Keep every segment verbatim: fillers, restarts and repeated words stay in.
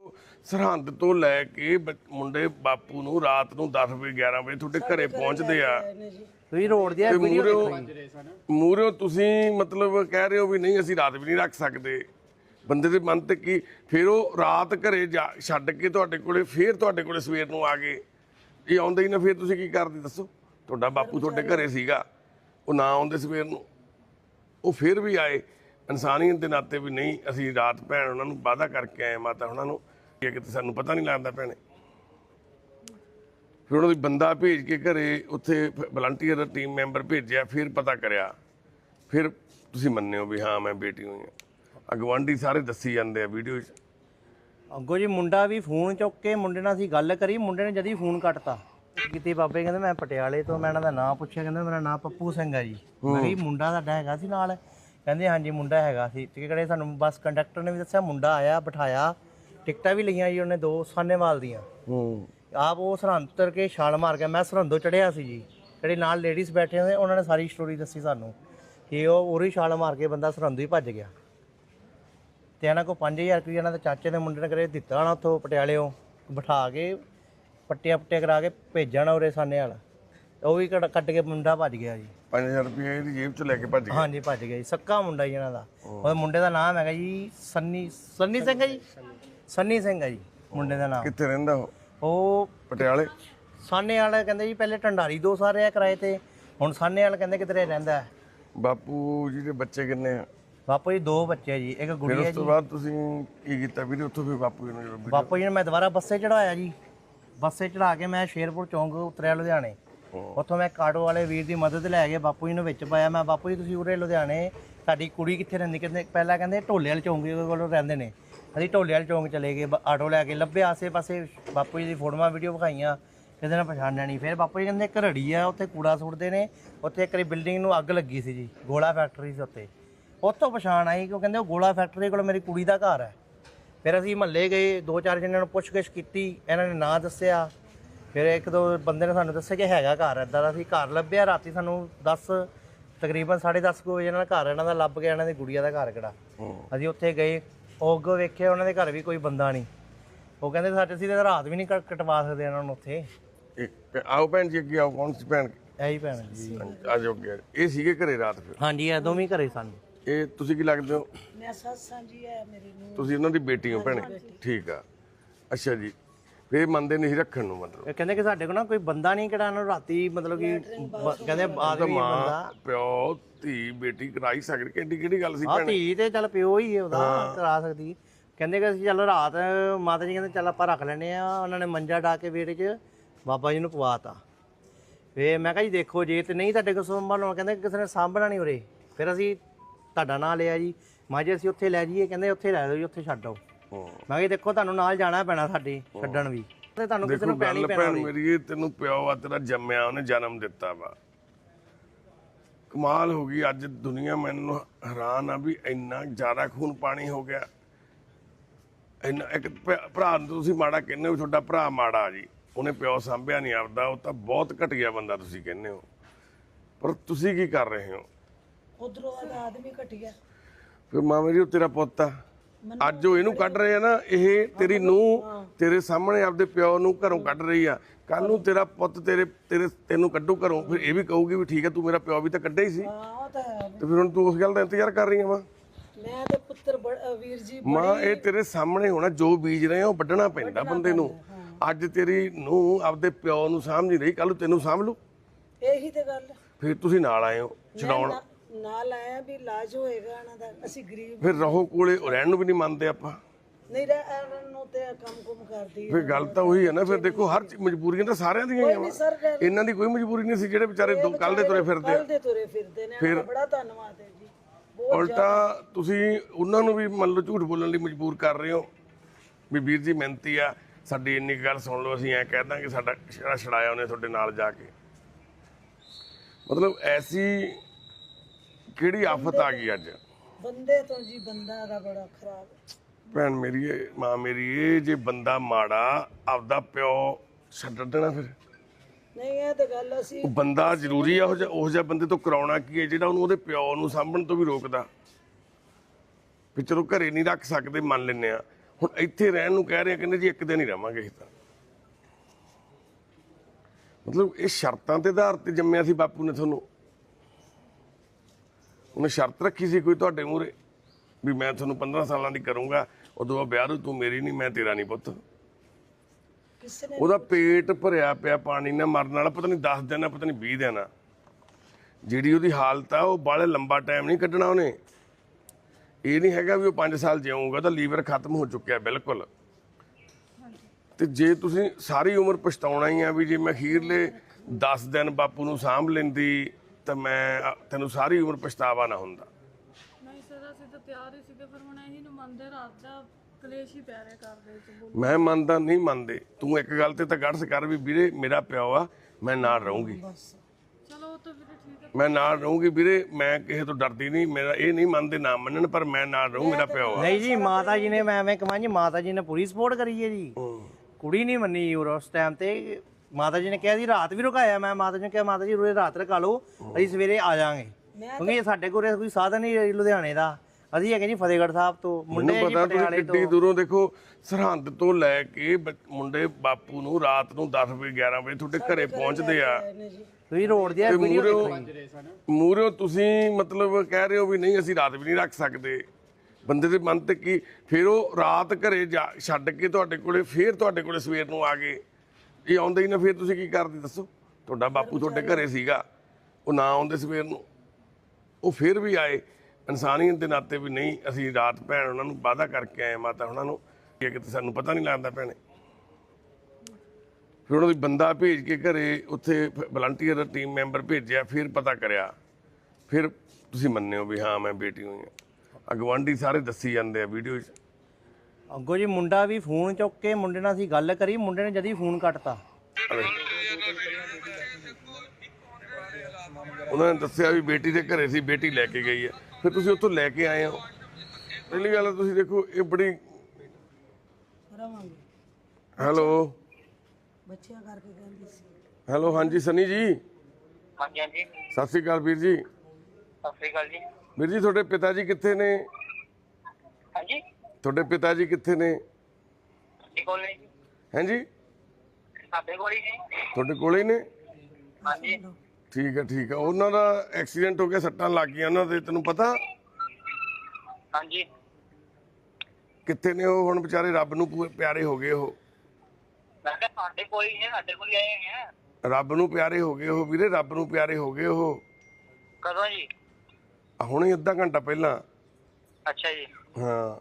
ਸਰਹੰਦ ਤੋਂ ਲੈ ਕੇ ਮੁੰਡੇ ਬਾਪੂ ਨੂੰ ਰਾਤ ਨੂੰ ਦਸ ਵਜੇ ਗਿਆਰਾਂ ਵਜੇ ਤੁਹਾਡੇ ਘਰੇ ਪਹੁੰਚਦੇ ਆ ਤੁਸੀਂ ਰੋਡ ਦੀ ਮੂਹਰਿਓ ਤੁਸੀਂ ਮਤਲਬ ਕਹਿ ਰਹੇ ਹੋ ਵੀ ਨਹੀਂ ਅਸੀਂ ਰਾਤ ਵੀ ਨਹੀਂ ਰੱਖ ਸਕਦੇ। ਬੰਦੇ ਦੇ ਮਨ ਤੇ ਕੀ, ਫਿਰ ਉਹ ਰਾਤ ਘਰੇ ਜਾ ਛੱਡ ਕੇ ਤੁਹਾਡੇ ਕੋਲੇ ਫਿਰ ਤੁਹਾਡੇ ਕੋਲੇ ਸਵੇਰ ਨੂੰ ਆ ਗਏ। ਇਹ ਆਉਂਦੇ ਹੀ ਨਾ ਫਿਰ ਤੁਸੀਂ ਕੀ ਕਰਦੇ ਦੱਸੋ? ਤੁਹਾਡਾ ਬਾਪੂ ਤੁਹਾਡੇ ਘਰੇ ਸੀਗਾ, ਉਹ ਨਾ ਆਉਂਦੇ ਸਵੇਰ ਨੂੰ, ਉਹ ਫਿਰ ਵੀ ਆਏ ਇਨਸਾਨੀਅਤ ਦੇ ਨਾਤੇ ਵੀ ਨਹੀਂ ਅਸੀਂ ਰਾਤ ਭੈਣ ਉਹਨਾਂ ਨੂੰ ਵਾਅਦਾ ਕਰਕੇ ਆਏ ਮਾਤਾ ਉਹਨਾਂ ਨੂੰ ਕਿ ਕਿਤੇ ਸਾਨੂੰ ਪਤਾ ਨਹੀਂ ਲੱਗਦਾ ਭੈਣੇ। ਫਿਰ ਉਹਨਾਂ ਦੀ ਬੰਦਾ ਭੇਜ ਕੇ ਘਰੇ ਉੱਥੇ ਵਲੰਟੀਅਰ ਦਾ ਟੀਮ ਮੈਂਬਰ ਭੇਜਿਆ, ਫਿਰ ਪਤਾ ਕਰਿਆ, ਫਿਰ ਤੁਸੀਂ ਮੰਨਿਓ ਵੀ ਹਾਂ ਮੈਂ ਬੇਟੀ ਹੋਈ ਹਾਂ। ਗਵਾਂਢੀ ਸਾਰੇ ਦੱਸੀ ਜਾਂਦੇ ਆ ਵੀਡੀਓ 'ਚ। ਅੱਗੋਂ ਜੀ ਮੁੰਡਾ ਵੀ ਫੋਨ ਚੁੱਕ ਕੇ ਮੁੰਡੇ ਨਾਲ ਅਸੀਂ ਗੱਲ ਕਰੀ, ਮੁੰਡੇ ਨੇ ਜਦੀ ਫੋਨ ਕੱਟਤਾ। ਕਿਤੇ ਬਾਬੇ ਕਹਿੰਦੇ ਮੈਂ ਪਟਿਆਲੇ ਤੋਂ, ਮੈਂ ਇਹਨਾਂ ਦਾ ਨਾਂ ਪੁੱਛਿਆ, ਕਹਿੰਦਾ ਮੇਰਾ ਨਾਂ ਪੱਪੂ ਸਿੰਘ ਆ ਜੀ। ਮੈਂ ਕਿਹਾ ਮੁੰਡਾ ਤੁਹਾਡਾ ਹੈਗਾ ਸੀ ਨਾਲ? ਕਹਿੰਦੇ ਹਾਂਜੀ ਮੁੰਡਾ ਹੈਗਾ ਸੀ। ਤੇ ਕਿਹੜੇ ਸਾਨੂੰ ਬੱਸ ਕੰਡਕਟਰ ਨੇ ਵੀ ਦੱਸਿਆ ਮੁੰਡਾ ਆਇਆ, ਬਿਠਾਇਆ, ਟਿਕਟਾਂ ਵੀ ਲਈਆਂ ਜੀ ਉਹਨੇ ਦੋ ਸਾਨੇਵਾਲ ਦੀਆਂ। ਆਪ ਉਹ ਸਰਹੰਦ ਉਤਰ ਕੇ ਛਾਲ ਮਾਰ ਗਿਆ। ਮੈਂ ਸਰਹੰਦੋਂ ਚੜਿਆ ਸੀ ਜੀ, ਜਿਹੜੇ ਨਾਲ ਲੇਡੀਜ਼ ਬੈਠੇ ਹੋਏ ਉਹਨਾਂ ਨੇ ਸਾਰੀ ਸਟੋਰੀ ਦੱਸੀ ਸਾਨੂੰ ਕਿ ਉਹ ਉਰੀ ਛਾਲ ਮਾਰ ਕੇ ਬੰਦਾ ਸਰਹੰਦੋਂ ਹੀ ਭੱਜ ਗਿਆ। ਤੇ ਇਹਨਾਂ ਕੋਲ ਪੰਜ ਹਜ਼ਾਰ ਰੁਪਏ ਇਹਨਾਂ ਦੇ ਚਾਚੇ ਦੇ ਮੁੰਡੇ ਨੇ ਕਰੇ ਦਿੱਤਾ ਹੋਣਾ, ਉੱਥੋਂ ਪਟਿਆਲਿਓਂ ਬਿਠਾ ਕੇ ਪੱਟੀਆਂ ਪੱਟੀਆਂ ਕਰਾ ਕੇ ਭੇਜਣਾ ਉਰੇ ਸਾਨੇ ਵਾਲਾ। ਉਹ ਵੀ ਕੱਟ ਕੇ ਮੁੰਡਾ ਭੱਜ ਗਿਆ ਜੀ। ਪੰਜ ਹਜ਼ਾਰ ਰੁਪਏ ਇਹਦੀ ਜੇਬ 'ਚ ਲੈ ਕੇ ਭੱਜ ਗਿਆ? ਹਾਂਜੀ ਭੱਜ ਗਿਆ ਜੀ। ਸੱਕਾ ਮੁੰਡਾ ਜੀ ਇਹਨਾਂ ਦਾ। ਉਹ ਮੁੰਡੇ ਦਾ ਨਾਮ ਹੈਗਾ ਜੀ ਸੰਨੀ ਸੰਨੀ ਸਿੰਘ ਹੈ ਜੀ, ਸੰਨੀ ਸਿੰਘ ਹੈ ਜੀ ਮੁੰਡੇ ਦਾ ਨਾਮ। ਕਿੱਥੇ ਰਹਿੰਦਾ ਉਹ? ਉਹ ਪਟਿਆਲੇ ਸਾਨੇ ਵਾਲਾ ਕਹਿੰਦੇ ਜੀ ਪਹਿਲੇ ਢੰਡਾਰੀ ਦੋ ਸਾਲ ਰਿਹਾ ਕਿਰਾਏ ਤੇ, ਹੁਣ ਸਾਨੇ ਵਾਲਾ ਕਹਿੰਦੇ ਕਿਧਰੇ ਰਹਿੰਦਾ। ਬਾਪੂ ਜੀ ਦੇ ਬੱਚੇ ਕਿੰਨੇ ਆ? ਬਾਪੂ ਜੀ ਦੋ ਬੱਚੇ ਜੀ, ਇੱਕ ਗੁੜੀਆ ਜੀ। ਉਸ ਤੋਂ ਬਾਅਦ ਤੁਸੀਂ ਕੀ ਕੀਤਾ ਵੀਰੇ ਉੱਥੋਂ? ਫਿਰ ਬਾਪੂ ਜੀ ਨੂੰ ਬਾਪੂ ਜੀ ਨੇ ਮੈਂ ਦੁਬਾਰਾ ਬੱਸੇ ਚੜਾਇਆ ਜੀ। ਬੱਸੇ ਚੜਾ ਕੇ ਮੈਂ ਸ਼ੇਰਪੁਰ ਚੌਂਕ ਉਤਰਿਆ ਲੁਧਿਆਣੇ। ਉੱਥੋਂ ਮੈਂ ਕਾਟੋ ਵਾਲੇ ਵੀਰ ਦੀ ਮਦਦ ਲੈ ਕੇ ਬਾਪੂ ਜੀ ਨੂੰ ਵਿੱਚ ਪਾਇਆ। ਮੈਂ ਬਾਪੂ ਜੀ ਤੁਸੀਂ ਉਰੇ ਲੁਧਿਆਣੇ ਸਾਡੀ ਕੁੜੀ ਕਿੱਥੇ ਰਹਿੰਦੀ? ਕਹਿੰਦੇ ਪਹਿਲਾਂ ਕਹਿੰਦੇ ਢੋਲੇ ਵਾਲੇ ਚੌਂਕ ਕੋਲ ਰਹਿੰਦੇ ਨੇ। ਅਸੀਂ ਢੋਲੇ ਵਾਲੇ ਚੌਂਕ ਚਲੇ ਗਏ, ਆਟੋ ਲੈ ਕੇ ਲੱਭੇ ਆਸੇ ਪਾਸੇ, ਬਾਪੂ ਜੀ ਦੀ ਫੋਟੋਆਂ ਵੀਡੀਓ ਵਿਖਾਈਆਂ, ਕਿਸੇ ਨੇ ਪਛਾਣਿਆ ਨਹੀਂ। ਫਿਰ ਬਾਪੂ ਜੀ ਕਹਿੰਦੇ ਇੱਕ ਰੜੀ ਆ ਉੱਥੇ ਕੂੜਾ ਸੁੱਟਦੇ ਨੇ, ਉੱਥੇ ਇੱਕ ਬਿਲਡਿੰਗ ਨੂੰ ਅੱਗ ਲੱਗੀ ਸੀ ਜੀ, ਗੋਲਾ ਫੈਕਟਰੀ ਸੀ ਉੱਥੇ। ਉੱਥੋਂ ਪਛਾਣ ਆਈ ਕਿ ਉਹ ਕਹਿੰਦੇ ਉਹ ਗੋਲਾ ਫੈਕਟਰੀ ਕੋਲ ਮੇਰੀ ਕੁੜੀ ਦਾ ਘਰ ਹੈ। ਫਿਰ ਅਸੀਂ ਮਹੱਲੇ ਗਏ, ਦੋ ਚਾਰ ਜਣਿਆਂ ਨੂੰ ਪੁੱਛ ਗਿੱਛ ਕੀਤੀ, ਇਹਨਾਂ ਨੇ ਨਾਂ ਦੱਸਿਆ। ਫਿਰ ਇੱਕ ਦੋ ਬੰਦੇ ਨੇ ਸਾਨੂੰ ਦੱਸਿਆ ਕਿ ਹੈਗਾ ਘਰ ਇੱਦਾਂ ਦਾ। ਅਸੀਂ ਘਰ ਲੱਭਿਆ, ਰਾਤੀ ਸਾਨੂੰ ਦਸ ਤਕਰੀਬਨ ਸਾਢੇ ਦਸ ਕੁ ਵਜੇ ਨਾਲ ਘਰ ਇਹਨਾਂ ਦਾ ਲੱਭ ਗਿਆ, ਇਹਨਾਂ ਦੀ ਗੁੜੀਆ ਦਾ ਘਰ ਕਿਹੜਾ। ਅਸੀਂ ਉੱਥੇ ਗਏ, ਉਹ ਅੱਗੋਂ ਵੇਖਿਆ ਉਹਨਾਂ ਦੇ ਘਰ ਵੀ ਕੋਈ ਬੰਦਾ ਨਹੀਂ। ਉਹ ਕਹਿੰਦੇ ਸਾਡੇ ਅਸੀਂ ਤਾਂ ਰਾਤ ਵੀ ਨਹੀਂ ਕਟਵਾ ਸਕਦੇ ਇਹਨਾਂ ਨੂੰ ਉੱਥੇ। ਆਓ ਭੈਣ ਜੀ ਅੱਗੇ ਆਓ। ਕੌਣ ਸੀ ਭੈਣ? ਇਹੀ ਭੈਣ ਜੀ। ਆ ਜਾਓ ਅੱਗੇ। ਇਹ ਸੀਗੇ ਘਰੇ ਰਾਤ? ਫਿਰ ਹਾਂਜੀ ਇਹ ਦੋਵੇਂ ਘਰੇ ਸਨ। ਇਹ ਤੁਸੀਂ ਕੀ ਲੱਗਦੇ ਹੋ? ਮੈਂ ਸੱਸ ਹਾਂ ਜੀ, ਹੈ ਮੇਰੀ ਨੂੰ। ਤੁਸੀਂ ਉਹਨਾਂ ਦੀ ਬੇਟੀ ਹੋ ਭੈਣੇ? ਠੀਕ ਆ। ਅੱਛਾ ਜੀ। ਫਿਰ ਮੰਨਦੇ ਨਹੀਂ ਰੱਖਣ ਨੂੰ? ਮਤਲਬ ਇਹ ਕਹਿੰਦੇ ਕਿ ਸਾਡੇ ਕੋਲ ਨਾ ਕੋਈ ਬੰਦਾ ਨਹੀਂ ਕਿਹੜਾ ਇਹਨਾਂ ਨੂੰ ਰਾਤੀ ਮਤਲਬ ਕਿ ਕਹਿੰਦੇ ਆਦਮੀ ਬੰਦਾ ਪਿਓ ਧੀ ਬੇਟੀ ਕਰਾਈ ਸਕਦੀ? ਕਿੱਡੀ ਕਿਹੜੀ ਗੱਲ ਸੀ ਹਾਂ ਧੀ ਤੇ ਚੱਲ ਪਿਓ ਹੀ ਹੈ ਉਹਦਾ, ਕਰਾ ਸਕਦੀ। ਕਹਿੰਦੇ ਕਿ ਅਸੀਂ ਚੱਲ ਰਾਤ ਮਾਤਾ ਜੀ ਕਹਿੰਦੇ ਚੱਲ ਆਪਾਂ ਰੱਖ ਲੈਂਦੇ ਆ। ਉਹਨਾਂ ਨੇ ਮੰਜਾ ਡਾ ਕੇ ਵਿਹੜੇ 'ਚ ਬਾਬਾ ਜੀ ਨੂੰ ਪਵਾਤਾ। ਫਿਰ ਮੈਂ ਕਿਹਾ ਜੀ ਦੇਖੋ ਜੇ ਤੇ ਨਹੀਂ ਤੁਹਾਡੇ ਕੋਲ ਸੰਭਾਲਣਾ, ਕਹਿੰਦੇ ਕਿਸੇ ਨੇ ਸਾਂਭਣਾ ਨਹੀਂ ਉਰੇ। ਫਿਰ ਅਸੀਂ ਤੁਹਾਡਾ ਨਾਂ ਲਿਆ ਜੀ। ਮੈਂ ਜੇ ਅਸੀਂ ਉੱਥੇ ਲੈ ਜਾਈਏ, ਕਹਿੰਦੇ ਉੱਥੇ ਲੈ ਜਾਓ ਜੀ, ਉੱਥੇ ਛੱਡ ਆਓ। ਮੈਂ ਕਿਹਾ ਦੇਖੋ ਤੁਹਾਨੂੰ ਨਾਲ ਜਾਣਾ ਪੈਣਾ ਸਾਡੇ ਛੱਡਣ ਵੀ, ਤੇ ਤੁਹਾਨੂੰ ਕਿਸੇ ਨੂੰ ਪੈਣੀ ਪੈਣਾ। ਮੇਰੀ ਤੈਨੂੰ ਪਿਓ ਆ ਤੇਰਾ ਜੰਮਿਆ, ਉਹਨੇ ਜਨਮ ਦਿੱਤਾ ਵਾ। ਕਮਾਲ ਹੋ ਗਈ ਅੱਜ ਦੁਨੀਆ। ਮੈਨੂੰ ਹੈਰਾਨ ਆ ਵੀ ਇੰਨਾ ਜ਼ਿਆਦਾ ਖੂਨ ਪਾਣੀ ਹੋ ਗਿਆ। ਇੰਨਾ ਇੱਕ ਭਰਾ ਨੂੰ ਤੁਸੀਂ ਮਾੜਾ ਕਹਿੰਦੇ ਹੋ, ਤੁਹਾਡਾ ਭਰਾ ਮਾੜਾ ਜੀ, ਉਹਨੇ ਪਿਓ ਸਾਂਭਿਆ ਨਹੀਂ ਆਪਦਾ, ਉਹ ਤਾਂ ਬਹੁਤ ਘਟੀਆ ਬੰਦਾ ਤੁਸੀਂ ਕਹਿੰਦੇ ਹੋ। ਪਰ ਤੁਸੀਂ ਕੀ ਕਰ ਰਹੇ ਹੋ? ਉਧਰੋਂ ਆਦਾ ਆਦਮੀ ਘਟਿਆ। ਫਿਰ ਮਾਮੇ ਜੀ ਤੇਰਾ ਪੁੱਤ ਆ, ਅੱਜ ਉਹ ਇਹਨੂੰ ਕੱਢ ਰਹੇ ਆ ਨਾ, ਇਹ ਤੇਰੀ ਨੂੰਹ ਤੇਰੇ ਸਾਹਮਣੇ ਆਪਦੇ ਪਿਓ ਨੂੰ ਘਰੋਂ ਕੱਢ ਰਹੀ ਆ। ਕੱਲ ਨੂੰ ਤੇਰਾ ਪੁੱਤ ਤੇਰੇ ਤੇਰੇ ਤੈਨੂੰ ਕੱਢੂ ਘਰੋਂ, ਫਿਰ ਇਹ ਵੀ ਕਹੂਗੀ ਵੀ ਠੀਕ ਹੈ ਤੂੰ ਮੇਰਾ ਪਿਓ ਵੀ ਤਾਂ ਕੱਢਿਆ ਹੀ ਸੀ। ਤੇ ਫਿਰ ਹੁਣ ਤੂੰ ਉਸ ਗੱਲ ਦਾ ਇੰਤਜ਼ਾਰ ਕਰ ਰਹੀ ਆ? ਮਾਂ ਮੈਂ ਤੇ ਪੁੱਤਰ ਵੀਰ ਜੀ ਮਾਂ ਇਹ ਤੇਰੇ ਸਾਹਮਣੇ ਹੋਣਾ, ਜੋ ਬੀਜ ਰਹੇ ਆ ਉਹ ਵੱਢਣਾ ਪੈਂਦਾ ਬੰਦੇ ਨੂੰ। ਅੱਜ ਤੇਰੀ ਨੂੰਹ ਆਪਦੇ ਪਿਓ ਨੂੰ ਸਾਂਭ ਨਹੀਂ ਰਹੀ, ਕੱਲ ਨੂੰ ਤੈਨੂੰ ਸਾਂਭ ਲੂ। ਇਹੀ ਤੇ ਗੱਲ। ਫਿਰ ਤੁਸੀਂ ਨਾਲ ਆਏ ਹੋ ਛਡਾਉਣ। ਨਾਲ ਆਇਆ ਵੀ ਇਲਾਜ ਹੋਏਗਾ ਇਹਨਾਂ ਦਾ। ਅਸੀਂ ਗਰੀਬ। ਫਿਰ ਰਹੋ ਕੋਲੇ ਰਹਿਣ ਨੂੰ ਵੀ ਨਹੀਂ ਮੰਨਦੇ ਆਪਾਂ। ਨਹੀਂ ਰਹਿਣ ਨੂੰ ਤੇ ਕੰਮ ਕੁਮ ਕਰਦੀ। ਫਿਰ ਗੱਲ ਤਾਂ ਉਹੀ ਹੈ ਨਾ। ਫਿਰ ਦੇਖੋ ਹਰ ਮਜਬੂਰੀਆਂ ਤਾਂ ਸਾਰਿਆਂ ਦੀਆਂ ਹੀ ਆ। ਇਹਨਾਂ ਦੀ ਕੋਈ ਮਜਬੂਰੀ ਨਹੀਂ ਸੀ ਜਿਹੜੇ ਵਿਚਾਰੇ ਕੱਲ ਦੇ ਤੁਰੇ ਫਿਰਦੇ ਕੱਲ ਦੇ ਤੁਰੇ ਫਿਰਦੇ ਨੇ। ਇਹਨਾਂ ਦਾ ਬੜਾ ਧੰਨਵਾਦ ਹੈ ਜੀ। ਉਲਟਾ ਤੁਸੀਂ ਉਹਨਾਂ ਨੂੰ ਵੀ ਮੰਨ ਲਓ ਝੂਠ ਬੋਲਣ ਲਈ ਮਜਬੂਰ ਕਰ ਰਹੇ ਹੋ ਵੀ ਵੀਰ ਜੀ ਮਿਹਨਤੀ ਆ, ਸਾਡੀ ਇੰਨੀ ਗੱਲ ਸੁਣ ਲਓ, ਅਸੀਂ ਐਂ ਕਹਿ ਦਾਂਗੇ ਸਾਡਾ ਜਿਹੜਾ ਛੜਾਇਆ ਉਹਨੇ ਤੁਹਾਡੇ ਨਾਲ ਜਾ ਕੇ। ਮਤਲਬ ਐਸੀ ਕਿਹੜੀ ਆਫਤ ਆ ਗਈ ਅੱਜ ਬੰਦੇ ਤੋਂ ਜੀ। ਬੰਦਾ ਦਾ ਬੜਾ ਖਰਾਬ। ਭੈਣ ਮੇਰੀ, ਮਾਂ ਮੇਰੀ, ਇਹ ਜੇ ਬੰਦਾ ਮਾੜਾ ਆਪਦਾ ਪਿਓ ਛੱਡ ਦੇਣਾ? ਫਿਰ ਨਹੀਂ ਇਹ ਤੇ ਗੱਲ ਅਸੀਂ ਬੰਦਾ ਜ਼ਰੂਰੀ ਆ ਉਹ ਜਿਹਾ ਉਹ ਜਿਹਾ ਬੰਦੇ ਤੋਂ ਕਰਾਉਣਾ ਕੀ ਹੈ ਜਿਹੜਾ ਉਹਨੂੰ ਉਹਦੇ ਪਿਓ ਨੂੰ ਸਾਂਭਣ ਤੋਂ ਵੀ ਰੋਕਦਾ। ਵੀ ਚਲੋ ਘਰੇ ਨਹੀਂ ਰੱਖ ਸਕਦੇ ਮੰਨ ਲੈਂਦੇ ਆ। ਹੁਣ ਇੱਥੇ ਰਹਿਣ ਨੂੰ ਕਹਿ ਰਹੇ ਆ, ਕਹਿੰਦੇ ਜੀ ਇੱਕ ਦਿਨ ਹੀ ਰਵਾਂਗੇ ਅਸੀਂ ਤਾਂ। ਮਤਲਬ ਇਹ ਸ਼ਰਤਾਂ ਦੇ ਆਧਾਰ ਤੇ ਜੰਮਿਆ ਸੀ ਬਾਪੂ ਨੇ ਤੁਹਾਨੂੰ? ਉਹਨੇ ਸ਼ਰਤ ਰੱਖੀ ਸੀ ਕੋਈ ਤੁਹਾਡੇ ਮੂਹਰੇ ਵੀ ਮੈਂ ਤੁਹਾਨੂੰ ਪੰਦਰਾਂ ਸਾਲਾਂ ਦੀ ਕਰੂੰਗਾ, ਉਦੋਂ ਬਾਅਦ ਵਿਆਹ ਨੂੰ ਤੂੰ ਮੇਰੀ ਨਹੀਂ, ਮੈਂ ਤੇਰਾ ਨਹੀਂ ਪੁੱਤ? ਕਿਸੇ ਨੇ ਉਹਦਾ ਪੇਟ ਭਰਿਆ ਪਿਆ ਪਾਣੀ ਨਾਲ ਮਰਨ ਵਾਲਾ, ਪਤਾ ਨਹੀਂ ਦਸ ਦਿਨ ਆ ਪਤਾ ਨਹੀਂ ਵੀਹ ਦਿਨ ਆ। ਜਿਹੜੀ ਉਹਦੀ ਹਾਲਤ ਆ ਉਹ ਬਾਹਲਾ ਲੰਬਾ ਟਾਈਮ ਨਹੀਂ ਕੱਢਣਾ ਉਹਨੇ। ਇਹ ਨਹੀਂ ਹੈਗਾ ਵੀ ਉਹ ਪੰਜ ਸਾਲ ਜਿਊਗਾ, ਤਾਂ ਲੀਵਰ ਖਤਮ ਹੋ ਚੁੱਕਿਆ ਬਿਲਕੁਲ। ਤੇ ਜੇ ਤੁਸੀਂ ਸਾਰੀ ਉਮਰ ਪਛਤਾਉਣਾ ਹੀ ਆ ਵੀ ਜੇ ਮੈਂ ਅਖੀਰਲੇ ਦਸ ਦਿਨ ਬਾਪੂ ਨੂੰ ਸਾਂਭ ਲੈਂਦੀ ਤਾਂ ਮੈਂ ਤੈਨੂੰ ਸਾਰੀ ਉਮਰ ਪਛਤਾਵਾ ਨਾ ਹੁੰਦਾ। ਨਹੀਂ ਸਰ ਅਸੀਂ ਤਾਂ ਤਿਆਰ ਹੀ ਸੀਗੇ, ਫਿਰ ਹੁਣ ਇਹੀ ਨੂੰ ਮੰਨਦੇ, ਰਾਤ ਦਾ ਕਲੇਸ਼ ਹੀ ਪੈ ਰਿਹਾ ਕਰਦੇ ਚ ਬੋਲ। ਮੈਂ ਮੰਨਦਾ ਨਹੀਂ ਮੰਨਦੇ, ਤੂੰ ਇੱਕ ਗੱਲ ਤੇ ਤਾਂ ਗੜਸ ਕਰ ਵੀ ਵੀਰੇ ਮੇਰਾ ਪਿਓ ਆ, ਮੈਂ ਨਾਲ ਰਹੂੰਗੀ। ਚਲੋ ਉਹ ਤਾਂ ਵੀਰੇ ਠੀਕ ਹੈ। ਮੈਂ ਨਾਲ ਰਹੂੰਗੀ ਵੀਰੇ, ਮੈਂ ਕਿਸੇ ਤੋਂ ਡਰਦੀ ਨਹੀਂ। ਮੇਰਾ ਇਹ ਨਹੀਂ ਮੰਨਦੇ ਨਾ ਮੰਨਣ, ਪਰ ਮੈਂ ਨਾਲ ਰਹੂੰ, ਮੇਰਾ ਪਿਓ ਆ। ਨਹੀਂ ਜੀ, ਮਾਤਾ ਜੀ ਨੇ, ਮੈਂ ਐਵੇਂ ਕਹਾਂ ਜੀ, ਮਾਤਾ ਜੀ ਨੇ ਪੂਰੀ ਸਪੋਰਟ ਕਰੀ ਹੈ ਜੀ। ਕੁੜੀ ਨਹੀਂ ਮੰਨੀ ਉਸ ਟਾਈਮ ਤੇ। ਮਾਤਾ ਜੀ ਨੇ ਕਿਹਾ ਜੀ ਰਾਤ ਵੀ ਰੁਕਾਇਆ। ਮੈਂ ਮਾਤਾ ਜੀ ਨੂੰ ਕਿਹਾ ਮਾਤਾ ਜੀ ਰੋਜ਼ ਰਾਤ ਰੁਕਾ ਲਓ, ਅਸੀਂ ਸਵੇਰੇ ਆ ਜਾਾਂਗੇ, ਕਿਉਂਕਿ ਸਾਡੇ ਕੋਲ ਕੋਈ ਸਾਧਨ ਨਹੀਂ ਲੁਧਿਆਣੇ ਦਾ। ਅਸੀਂ ਹੈਗੇ ਜੀ ਫਤਿਹਗੜ੍ਹ ਸਾਹਿਬ ਤੋਂ, ਮੁੰਡੇ ਮੈਨੂੰ ਜੀ ਪਤਾ ਤੁਸੀਂ ਪਟਿਆਲੇ ਕਿੱਡੀ ਤੋਂ। ਦੂਰੋਂ ਦੇਖੋ, ਸਰਹੰਦ ਤੋਂ ਲੈ ਕੇ ਬ- ਮੁੰਡੇ ਬਾਪੂ ਨੂੰ ਰਾਤ ਨੂੰ ਦਸ ਵਜੇ ਗਿਆਰਾਂ ਵਜੇ ਤੁਹਾਡੇ ਘਰੇ ਪਹੁੰਚਦੇ ਆ। ਤੁਸੀਂ ਰੋਡ ਦੀ ਤੇ ਵੀਡੀਓ ਦੇਖੋ ਮੂਹਰਿਓ ਮੂਹਰਿਓ ਤੁਸੀਂ ਮਤਲਬ ਕਹਿ ਰਹੇ ਹੋ ਵੀ ਨਹੀਂ ਅਸੀਂ ਰਾਤ ਵੀ ਨਹੀਂ ਰੱਖ ਸਕਦੇ। ਬੰਦੇ ਦੇ ਮਨ ਤੇ ਕੀ, ਫਿਰ ਉਹ ਰਾਤ ਘਰੇ ਜਾ ਛੱਡ ਕੇ ਤੁਹਾਡੇ ਕੋਲੇ, ਫਿਰ ਤੁਹਾਡੇ ਕੋਲੇ ਸਵੇਰ ਨੂੰ ਆ ਗਏ। ਇਹ ਆਉਂਦੇ ਹੀ ਨਾ, ਫਿਰ ਤੁਸੀਂ ਕੀ ਕਰਦੇ ਦੱਸੋ? ਤੁਹਾਡਾ ਬਾਪੂ ਤੁਹਾਡੇ ਘਰੇ ਸੀਗਾ, ਉਹ ਨਾ ਆਉਂਦੇ ਸਵੇਰ ਨੂੰ, ਉਹ ਫਿਰ ਵੀ ਆਏ ਇਨਸਾਨੀਅਤ ਦੇ ਨਾਤੇ ਵੀ ਨਹੀਂ ਅਸੀਂ ਰਾਤ ਭੈਣ ਉਹਨਾਂ ਨੂੰ ਵਾਅਦਾ ਕਰਕੇ ਆਏ, ਮਾਤਾ ਉਹਨਾਂ ਨੂੰ, ਕਿ ਕਿਤੇ ਸਾਨੂੰ ਪਤਾ ਨਹੀਂ ਲੱਗਦਾ ਭੈਣੇ। ਫਿਰ ਉਹਨਾਂ ਦੀ ਬੰਦਾ ਭੇਜ ਕੇ ਘਰੇ ਉੱਥੇ ਵਲੰਟੀਅਰ ਦਾ ਟੀਮ ਮੈਂਬਰ ਭੇਜਿਆ, ਫਿਰ ਪਤਾ ਕਰਿਆ, ਫਿਰ ਤੁਸੀਂ ਮੰਨਿਓ ਵੀ ਹਾਂ ਮੈਂ ਬੇਟੀ ਹੋਈ ਹਾਂ। ਅਗਵਾਂਢੀ ਸਾਰੇ ਦੱਸੀ ਜਾਂਦੇ ਆ ਵੀਡੀਓ 'ਚ। ਅੱਗੋਂ ਜੀ ਮੁੰਡਾ ਵੀ ਫੋਨ ਚੁੱਕ ਕੇ ਮੁੰਡੇ ਨਾਲ ਅਸੀਂ ਗੱਲ ਕਰੀ, ਮੁੰਡੇ ਨੇ ਜਦ ਹੀ ਫੋਨ ਕੱਟਤਾ। ਉਹਨਾਂ ਨੇ ਦੱਸਿਆ ਵੀ ਬੇਟੀ ਦੇ ਘਰੇ ਸੀ, ਬੇਟੀ ਲੈ ਕੇ ਗਈ ਹੈ। ਫਿਰ ਤੁਸੀਂ ਉੱਥੋਂ ਲੈ ਕੇ ਆਏ ਹੋ। ਪਹਿਲੀ ਗੱਲ ਤੁਸੀਂ ਦੇਖੋ, ਇਹ ਬੜੀ ਰਵਾਂਗੇ ਹੈਲੋ ਬੱਚਿਆਂ ਕਰਕੇ ਕਹਿੰਦੀ ਸੀ। ਹੈਲੋ ਹਾਂਜੀ ਸਨੀ ਜੀ, ਹਾਂਜੀ ਹਾਂਜੀ ਸਤਿ ਸ਼੍ਰੀ ਅਕਾਲ ਵੀਰ ਜੀ। ਸਤਿ ਸ੍ਰੀ ਅਕਾਲ ਜੀ। ਵੀਰ ਜੀ ਤੁਹਾਡੇ ਪਿਤਾ ਜੀ ਕਿੱਥੇ ਨੇ? ਹਾਂਜੀ ਤੁਹਾਡੇ ਪਿਤਾ ਜੀ ਕਿੱਥੇ ਨੇ? ਸਾਡੇ ਕੋਲ ਨੇ ਜੀ। ਹਾਂਜੀ ਸਾਡੇ ਕੋਲ ਹੀ ਜੀ। ਤੁਹਾਡੇ ਕੋਲੇ ਹੀ ਨੇ? ਹਾਂਜੀ ਠੀਕ ਹੈ ਠੀਕ ਹੈ। ਉਹਨਾਂ ਦਾ ਐਕਸੀਡੈਂਟ ਹੋ ਗਿਆ, ਸੱਟਾਂ ਲੱਗ ਗਈਆਂ ਉਹਨਾਂ ਦੇ, ਤੈਨੂੰ ਪਤਾ? ਹਾਂਜੀ ਕਿੱਥੇ ਨੇ ਉਹ ਹੁਣ? ਵਿਚਾਰੇ ਰੱਬ ਨੂੰ ਪੂ- ਪਿਆਰੇ ਹੋ ਗਏ ਉਹ, ਮੈਂ ਕਿਹਾ ਸਾਡੇ ਕੋਲ ਹੀ ਹੈ, ਸਾਡੇ ਕੋਲ ਹੀ ਆਏ ਹੋਏ ਆ। ਰੱਬ ਨੂੰ ਪਿਆਰੇ ਹੋ ਗਏ ਉਹ ਵੀਰੇ, ਰੱਬ ਨੂੰ ਪਿਆਰੇ ਹੋ ਗਏ ਉਹ। ਕਦੋਂ ਜੀ? ਆਹ ਹੁਣੇ ਅੱਧਾ ਘੰਟਾ ਪਹਿਲਾਂ। ਅੱਛਾ ਜੀ। ਹਾਂ,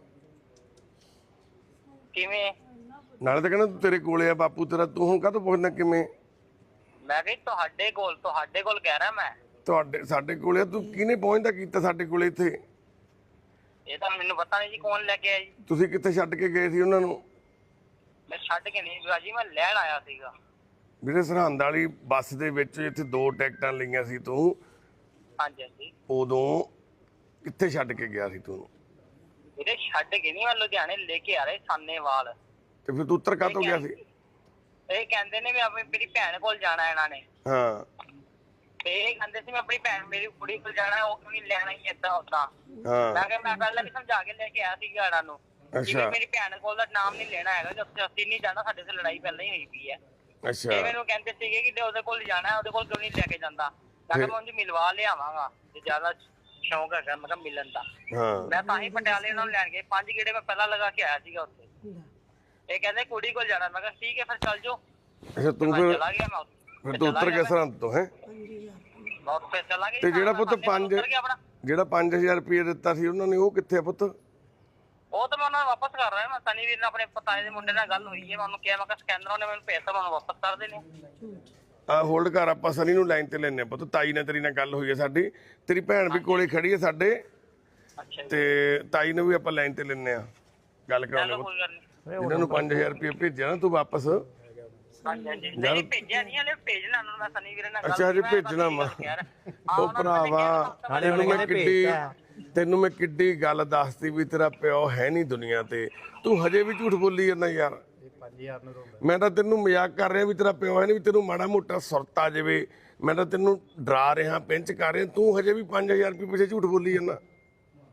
ਕਿਵੇਂ? ਨਾਲੇ ਤਾਂ ਕਹਿੰਦਾ ਤੂੰ ਤੇਰੇ ਕੋਲੇ ਆ ਬਾਪੂ ਤੇਰਾ, ਤੂੰ ਹੁਣ ਕਾਹਤੋਂ ਪੁੱਛਦਾ ਕਿਵੇਂ? ਮੈਂ ਕਿਹਾ ਤੁਹਾਡੇ ਕੋਲ, ਤੁਹਾਡੇ ਕੋਲ ਕਹਿ ਰਿਹਾ ਮੈਂ। ਤੁਹਾਡੇ ਸਾਡੇ ਕੋਲੇ ਆ, ਤੂੰ ਕਿਹਨੇ ਪਹੁੰਚਦਾ ਕੀਤਾ ਸਾਡੇ ਕੋਲੇ ਇੱਥੇ? ਇਹ ਤਾਂ ਮੈਨੂੰ ਪਤਾ ਨਹੀਂ ਜੀ ਕੌਣ ਲੈ ਕੇ ਆਇਆ ਜੀ। ਤੁਸੀਂ ਕਿੱਥੇ ਛੱਡ ਕੇ ਗਏ ਸੀ ਉਹਨਾਂ ਨੂੰ? ਮੈਂ ਛੱਡ ਕੇ ਨਹੀਂ ਗਿਆ ਜੀ, ਮੈਂ ਲੈਣ ਆਇਆ ਸੀਗਾ। ਵੀਰੇ ਸਰਹੰਦ ਵਾਲੀ ਬੱਸ ਦੇ ਵਿੱਚ ਇੱਥੇ ਦੋ ਟਿਕਟਾਂ ਲਈਆਂ ਸੀ ਤੂੰ, ਹਾਂਜੀ ਹਾਂਜੀ। ਉਦੋਂ ਕਿੱਥੇ ਛੱਡ ਕੇ ਗਿਆ ਸੀ ਤੂੰ? ਇਹਦੇ ਛੱਡ ਕੇ ਨਹੀਂ, ਮੈਂ ਲੁਧਿਆਣੇ ਲੈ ਕੇ ਆ ਰਿਹਾ ਸਾਨੇਵਾਲ। ਤੇ ਫਿਰ ਤੂੰ ਉੱਤਰ ਕਾਹਤੋਂ ਗਿਆ ਸੀ? ਇਹ ਕਹਿੰਦੇ ਨੇ ਵੀ ਆਪਣੀ ਮੇਰੀ ਭੈਣ ਕੋਲ ਜਾਣਾ ਇਹਨਾਂ ਨੇ, ਹਾਂ ਤੇ ਇਹ ਕਹਿੰਦੇ ਸੀ ਮੈਂ ਆਪਣੀ ਭੈਣ ਮੇਰੀ ਕੁੜੀ ਕੋਲ ਜਾਣਾ, ਉਹ ਕਿਉਂ ਨਹੀਂ ਲੈਣਾ ਹੀ ਏਦਾਂ ਉਦਾਂ। ਹਾਂ ਮੈਂ ਕਿਹਾ ਮੈਂ ਪਹਿਲਾਂ ਵੀ ਸਮਝਾ ਕੇ ਲੈ ਕੇ ਆਇਆ ਸੀਗਾ ਇਹਨਾਂ ਨੂੰ ਕਿ ਅੱਛਾ। ਵੀ ਮੇਰੀ ਭੈਣ ਕੋਲ ਦਾ ਨਾਮ ਨਹੀਂ ਲੈਣਾ ਹੈਗਾ, ਜਦ ਤੱਕ ਅਸੀਂ ਨਹੀਂ ਜਾਣਾ, ਸਾਡੇ ਤੇ ਲੜਾਈ ਪਹਿਲਾਂ ਹੀ ਹੋਈ ਪਈ ਹੈ। ਅੱਛਾ ਇਹ ਮੈਨੂੰ ਕਹਿੰਦੇ ਸੀਗੇ ਕਿ ਉਹਦੇ ਕੋਲ ਜਾਣਾ, ਉਹਦੇ ਕੋਲ ਕਿਉਂ ਨਹੀਂ ਲੈ ਕੇ ਜਾਂਦਾ। ਮੈਂ ਕਿਹਾ ਮੈਂ ਉਹਨੂੰ ਮਿਲਵਾ ਲਿਆਵਾਂਗਾ ਜੇ ਜ਼ਿਆਦਾ ਸ਼ੌਂਕ ਹੈਗਾ ਮੈਂ ਕਿਹਾ ਮਿਲਣ ਦਾ। ਹਾਂ ਮੈਂ ਤਾਂ ਹੀ ਪਟਿਆਲੇ ਉਹਨਾਂ ਨੂੰ ਲੈਣ ਗਏ, ਪੰਜ ਗੇੜੇ ਮੈਂ ਪਹਿਲਾਂ ਲਗਾ ਕੇ ਆਇਆ ਸੀਗਾ ਉੱਥੇ। ਇਹ ਕਹਿੰਦੇ ਕੁੜੀ ਕੋਲ ਜਾਣਾ, ਮੈਂ ਕਿਹਾ ਠੀਕ ਹੈ ਫਿਰ ਚੱਲ ਜਾਓ। ਅੱਛਾ ਤੂੰ ਮੈਂ ਫਿਰ ਚਲਾ ਗਿਆ, ਮੈਂ ਉੱਥੇ ਫਿਰ ਤੂੰ ਉੱਤਰ ਗਿਆ ਸਰਹੰਦ ਤੋਂ ਹੈ? ਮੈਂ ਉੱਥੇ ਚਲਾ ਗਿਆ। ਤੇ ਜਿਹੜਾ ਪੁੱਤ ਪੰਜ ਉੱਤਰ ਗਿਆ ਆਪਣਾ, ਜਿਹੜਾ ਪੰਜ ਹਜ਼ਾਰ ਰੁਪਏ ਦਿੱਤਾ ਸੀ ਉਹਨਾਂ ਨੇ, ਉਹ ਕਿੱਥੇ ਆ ਪੁੱਤ? ਉਹ ਤਾਂ ਮੈਂ ਉਹਨਾਂ ਨੂੰ ਵਾਪਸ ਕਰ ਰਿਹਾ। ਮੈਂ ਸਨੀ ਵੀਰ ਨਾਲ ਆਪਣੇ ਪਤਾਏ ਦੇ ਮੁੰਡੇ ਨਾਲ ਗੱਲ ਹੋਈ ਹੈ, ਮੈਂ ਉਹਨੂੰ ਕਿਹਾ ਮੈਂ ਕਿਹਾ ਸਕੈਨਰ ਉਹਨੇ ਮੈਨੂੰ ਭੇਜਤਾ, ਮੈਂ ਉਹਨੂੰ ਵਾਪਸ ਕਰ ਦੇਣੇ। ਆ ਹੋਲਡ ਕਰ, ਆਪਾਂ ਸਨੀ ਨੂੰ ਲਾਈਨ ਤੇ ਲੈਣੇ ਪੁੱਤ। ਤਾਈ ਨਾਲ ਤੇਰੀ ਨਾਲ ਗੱਲ ਹੋਈ ਹੈ ਸਾਡੀ, ਤੇਰੀ ਭੈਣ ਵੀ ਕੋਲੇ ਖੜੀ ਹੈ ਸਾਡੇ, ਅੱਛਾ ਜੀ, ਤੇ ਤਾਈ ਨੂੰ ਵੀ ਆਪਾਂ ਲਾਈਨ ਤੇ ਲੈਣੇ ਆ, ਗੱਲ ਕਰਾਉਣੇ ਚਲੋ ਪੁੱਤ। ਕੋਈ ਗੱਲ ਨਹੀਂ। ਇਹਨਾਂ ਨੂੰ ਪੰਜ ਹਜ਼ਾਰ ਰੁਪਏ ਭੇਜਿਆ ਨਾ ਤੂੰ ਵਾਪਸ? ਹਾਂਜੀ ਹਾਂਜੀ। ਨਹੀਂ ਭੇਜਿਆ ਨਹੀਂ, ਹਲੇ ਭੇਜਣਾ ਉਹਨਾਂ ਨੂੰ। ਮੈਂ ਸਨੀ ਵੀਰੇ ਨਾਲ ਗੱਲ ਅੱਛਾ ਹਜੇ ਕੀਤੀ, ਮੈਂ ਭੇਜਣਾ ਵਾ? ਕਿਹਾ ਯਾਰ, ਉਹ ਭਰਾਵਾ ਤੈਨੂੰ ਮੈਂ ਕਿੱਡੀ ਤੈਨੂੰ ਮੈਂ ਕਿੱਡੀ ਗੱਲ ਦੱਸਤੀ ਵੀ ਤੇਰਾ ਪਿਓ ਹੈ ਨਹੀਂ ਦੁਨੀਆ ਤੇ, ਤੂੰ ਹਜੇ ਵੀ ਝੂਠ ਬੋਲੀ ਜਾਂਦਾ ਯਾਰ। ਮੈਂ ਤਾਂ ਤੈਨੂੰ ਮਜ਼ਾਕ ਕਰ ਰਿਹਾ ਵੀ ਤੇਰਾ ਪਿਓ ਹੈ ਨਹੀਂ, ਵੀ ਤੈਨੂੰ ਮਾੜਾ ਮੋਟਾ ਸੁਰਤ ਆ ਜਾਵੇ, ਮੈਂ ਤਾਂ ਤੈਨੂੰ ਡਰਾ ਰਿਹਾ, ਪਿੰਚ ਕਰ ਰਿਹਾ, ਤੂੰ ਹਜੇ ਵੀ ਪੰਜ ਹਜ਼ਾਰ ਰੁਪਏ ਪਿੱਛੇ ਝੂਠ ਬੋਲੀ ਜਾਂਦਾ।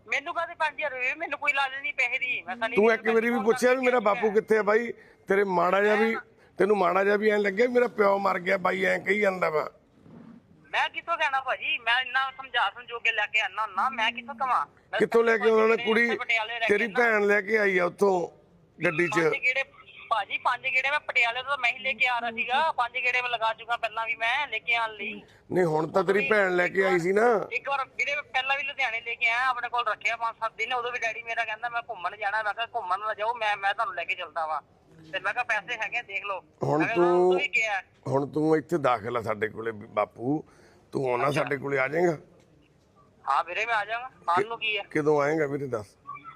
ਮੈਨੂੰ ਕਾਹਦੇ ਪੰਜ ਹਜ਼ਾਰ ਰੁਪਏ, ਮੈਨੂੰ ਕੋਈ ਲਾਜ ਨਹੀਂ ਪੈਸੇ ਦੀ। ਮੈਂ ਸਨੀ ਤੂੰ ਇੱਕ ਵਾਰੀ ਵੀ ਪੁੱਛਿਆ ਵੀ ਮੇਰਾ ਬਾਪੂ ਕਿੱਥੇ ਆ ਬਾਈ? ਤੇਰੇ ਮਾੜਾ ਜਿਹਾ ਵੀ ਤੈਨੂੰ ਮਾੜਾ ਜਿਹਾ ਵੀ ਐਂ ਲੱਗਿਆ ਵੀ ਮੇਰਾ ਪਿਓ ਮਰ ਗਿਆ ਬਾਈ ਐਂ ਕਹੀ ਜਾਂਦਾ ਵਾ? ਮੈਂ ਕਿੱਥੋਂ ਕਹਿਣਾ ਭਾਜੀ, ਮੈਂ ਇੰਨਾ ਸਮਝਾ ਸਮਝੋ ਕੇ ਲੈ ਕੇ ਆਣਾ ਹੁੰਦਾ, ਮੈਂ ਕਿੱਥੋਂ ਕਵਾਂ? ਕਿੱਥੋਂ ਲੈ ਕੇ ਉਹਨਾਂ ਨੇ ਕੁੜੀ ਤੇਰੀ ਭੈਣ ਲੈ ਕੇ ਆਈ ਆ ਉੱਥੋਂ ਗੱਡੀ 'ਚ? ਪੰਜ ਗੇੜੇ ਭਾਜੀ, ਪੰਜ ਗੇੜੇ ਮੈਂ ਪਟਿਆਲੇ ਤੋਂ ਮੈਂ ਹੀ ਲੈ ਕੇ ਆ ਰਿਹਾ ਸੀਗਾ। ਪੰਜ ਗੇੜੇ ਮੈਂ ਲਗਾ ਚੁੱਕਾ ਪਹਿਲਾਂ ਵੀ ਮੈਂ ਲੈ ਕੇ ਆਣ ਲਈ। ਨਹੀਂ ਹੁਣ ਤਾਂ ਤੇਰੀ ਭੈਣ ਲੈ ਕੇ ਆਈ ਸੀ ਨਾ। ਇੱਕ ਵਾਰ ਵੀਰੇ ਪਹਿਲਾਂ ਵੀ ਲੁਧਿਆਣੇ ਲੈ ਕੇ ਆਇਆ, ਆਪਣੇ ਕੋਲ ਰੱਖਿਆ ਪੰਜ ਸੱਤ ਦਿਨ। ਉਦੋਂ ਵੀ ਡੈਡੀ ਮੇਰਾ ਕਹਿੰਦਾ ਮੈਂ ਘੁੰਮਣ ਜਾਣਾ। ਮੈਂ ਕਿਹਾ ਘੁੰਮਣ ਨਾ ਜਾਓ, ਮੈਂ ਮੈਂ ਤੁਹਾਨੂੰ ਲੈ ਕੇ ਚੱਲਦਾ ਵਾਂ। ਤੇ ਮੈਂ ਕਿਹਾ ਪੈਸੇ ਹੈਗੇ ਦੇਖ ਲਓ। ਹੁਣ ਤੂੰ ਹੁਣ ਤੂੰ ਇੱਥੇ ਦਾਖਲ ਆ ਸਾਡੇ ਕੋਲੇ ਬਾਪੂ, ਤੂੰ ਆਉਣਾ ਸਾਡੇ ਕੋਲੇ ਆ ਜਾਏਗਾ? ਹਾਂ ਵੀਰੇ ਮੈਂ ਆ ਜਾਵਾਂਗਾ। ਆਉਣ ਨੂੰ ਕੀ ਹੈ? ਕਦੋਂ ਆਏਗਾ ਵੀਰੇ ਦੱਸ?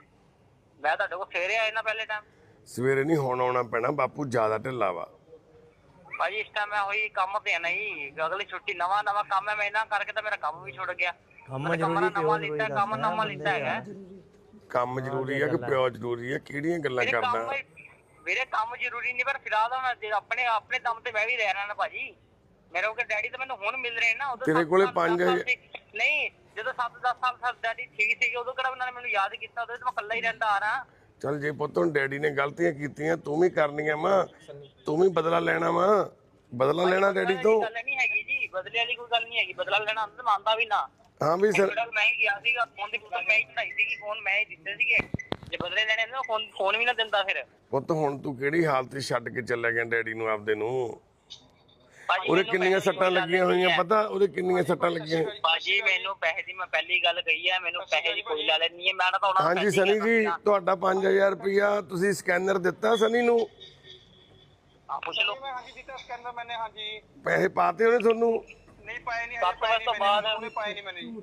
ਮੈਂ ਤੁਹਾਡੇ ਕੋਲ ਸਵੇਰੇ ਆਏ ਨਾ ਪਹਿਲੇ ਟਾਈਮ। ਸਵੇਰੇ ਨਹੀਂ, ਹੁਣ ਆਉਣਾ ਪੈਣਾ ਬਾਪੂ, ਜ਼ਿਆਦਾ ਢਿੱਲਾ ਵਾ ਭਾਜੀ। ਇਸ ਟਾਈਮ ਮੈਂ ਹੋਈ ਕੰਮ ਤੇ ਨਹੀਂ, ਅਗਲੀ ਛੁੱਟੀ ਨਵਾਂ ਨਵਾਂ ਕੰਮ ਹੈ। ਮੈਂ ਇਹਨਾਂ ਕਰਕੇ ਤਾਂ ਮੇਰਾ ਕੰਮ ਵੀ ਛੁੱਟ ਗਿਆ। ਕੰਮ ਜ਼ਰੂਰੀ ਨਵਾਂ ਲਿੱਤਾ, ਕੰਮ ਨਵਾਂ ਲਿੱਤਾ ਹੈਗਾ। ਕੰਮ ਜ਼ਰੂਰੀ ਆ ਕਿ ਪਿਓ ਜ਼ਰੂਰੀ ਆ? ਕਿਹੜੀਆਂ ਗੱਲਾਂ ਵੀਰੇ ਕੰਮ ਕਰਦਾ? ਵੀਰੇ ਕੰਮ ਜ਼ਰੂਰੀ ਨਹੀਂ, ਪਰ ਫਿਲਹਾਲ ਮੈਂ ਜੇ ਆਪਣੇ ਆਪਣੇ ਦਮ ਤੇ ਮੈਂ ਵੀ ਰਹਿ ਰਿਹਾ ਨਾ ਭਾਜੀ। ਮੇਰੇ ਕੋਲ ਡੈਡੀ ਤਾਂ ਮੈਨੂੰ ਹੁਣ ਮਿਲ ਰਹੇ ਨਾ। ਉਦੋਂ ਤੇਰੇ ਕੋਲੇ ਪੰਜ ਹਜ਼ਾਰ ਨਹੀਂ, ਜਦੋਂ ਸੱਤ ਦਸ ਸਾਲ ਸਾਲ ਡੈਡੀ ਠੀਕ ਸੀਗੇ ਉਦੋਂ ਕਿਹੜਾ ਉਹਨਾਂ ਨੇ ਮੈਨੂੰ ਯਾਦ ਕੀਤਾ? ਉਦੋਂ ਤਾਂ ਮੈਂ ਇਕੱਲਾ ਹੀ ਰਹਿੰਦਾ ਆ ਰਿਹਾ। ਚੱਲ ਜੇ ਪੁੱਤ ਹੁਣ ਡੈਡੀ ਨੇ ਗਲਤੀਆਂ ਕੀਤੀਆਂ, ਤੂੰ ਵੀ ਕਰਨੀਆਂ ਮਾਂ, ਤੂੰ ਵੀ ਬਦਲਾ ਲੈਣਾ ਵਾ। ਬਦਲਾ ਲੈਣਾ ਡੈਡੀ ਤੋਂ। ਗੱਲ ਨਹੀਂ ਹੈਗੀ ਜੀ, ਬਦਲੇ ਵਾਲੀ ਕੋਈ ਗੱਲ ਨਹੀਂ ਹੈਗੀ। ਬਦਲਾ ਲੈਣਾ ਅੰਦਰ ਮੰਨਦਾ ਵੀ ਨਾ। ਹਾਂ ਵੀ ਸਰ, ਮੈਂ ਹੀ ਗਿਆ ਸੀਗਾ, ਫੋਨ ਦੀ ਫੋਟੋ ਮੈਂ ਹੀ ਚੜਾਈ ਸੀਗੀ, ਫੋਨ ਮੈਂ ਹੀ ਦਿੱਤੇ ਸੀਗੇ। ਜੇ ਬਦਲੇ ਲੈਣੇ ਨਾ ਫੋਨ ਫੋਨ ਵੀ ਨਾ ਦਿੰਦਾ ਫਿਰ। ਪੁੱਤ ਹੁਣ ਤੂੰ ਕਿਹੜੀ ਹਾਲਤ 'ਚ ਛੱਡ ਕੇ ਚੱਲਿਆ ਗਿਆ ਡੈਡੀ ਨੂੰ ਆਪਦੇ ਨੂੰ? ਭਾਜੀ ਉਹਦੇ ਮੈਨੂੰ ਕਿੰਨੀਆਂ ਪੈਸੇ ਦੀ ਸੱਟਾਂ ਕੋਈ ਲੱਗੀਆਂ ਲਾਲਚ ਹੋਈਆਂ ਨਹੀਂ ਪਤਾ? ਉਹਦੇ ਕਿੰਨੀਆਂ ਸੱਟਾਂ ਲੱਗੀਆਂ? ਹੈ। ਭਾਜੀ ਮੈਨੂੰ ਪੈਸੇ ਦੀ ਮੈਂ ਪਹਿਲੀ ਗੱਲ ਕਹੀ ਹੈ, ਮੈਨੂੰ ਪੈਸੇ ਦੀ ਕੋਈ ਲਾਲਚ ਨਹੀਂ ਹੈ। ਮੈਂ ਤਾਂ ਉਹਨਾਂ ਨੂੰ ਹਾਂਜੀ ਪੈਸੇ ਸਨੀ ਹੀ ਜੀ, ਕਹਿੰਦਾ ਤੁਹਾਡਾ ਪੰਜ ਹਜ਼ਾਰ ਰੁਪਇਆ ਤੁਸੀਂ ਸਕੈਨਰ ਦਿੱਤਾ ਸਨੀ ਨੂੰ? ਹਾਂ ਪੁੱਛ ਲਓ। ਹਾਂਜੀ ਦਿੱਤਾ ਸਕੈਨਰ ਮੈਨੇ। ਹਾਂਜੀ ਪੈਸੇ ਪਾਤੇ ਉਹਨੇ ਤੁਹਾਨੂੰ? ਨਹੀਂ ਪਾਏ ਨਹੀਂ, ਸੱਤ ਵਜੇ ਤੋਂ ਬਾਅਦ ਉਹਨੇ ਪਾਏ ਨਹੀਂ ਮੈਨੇ।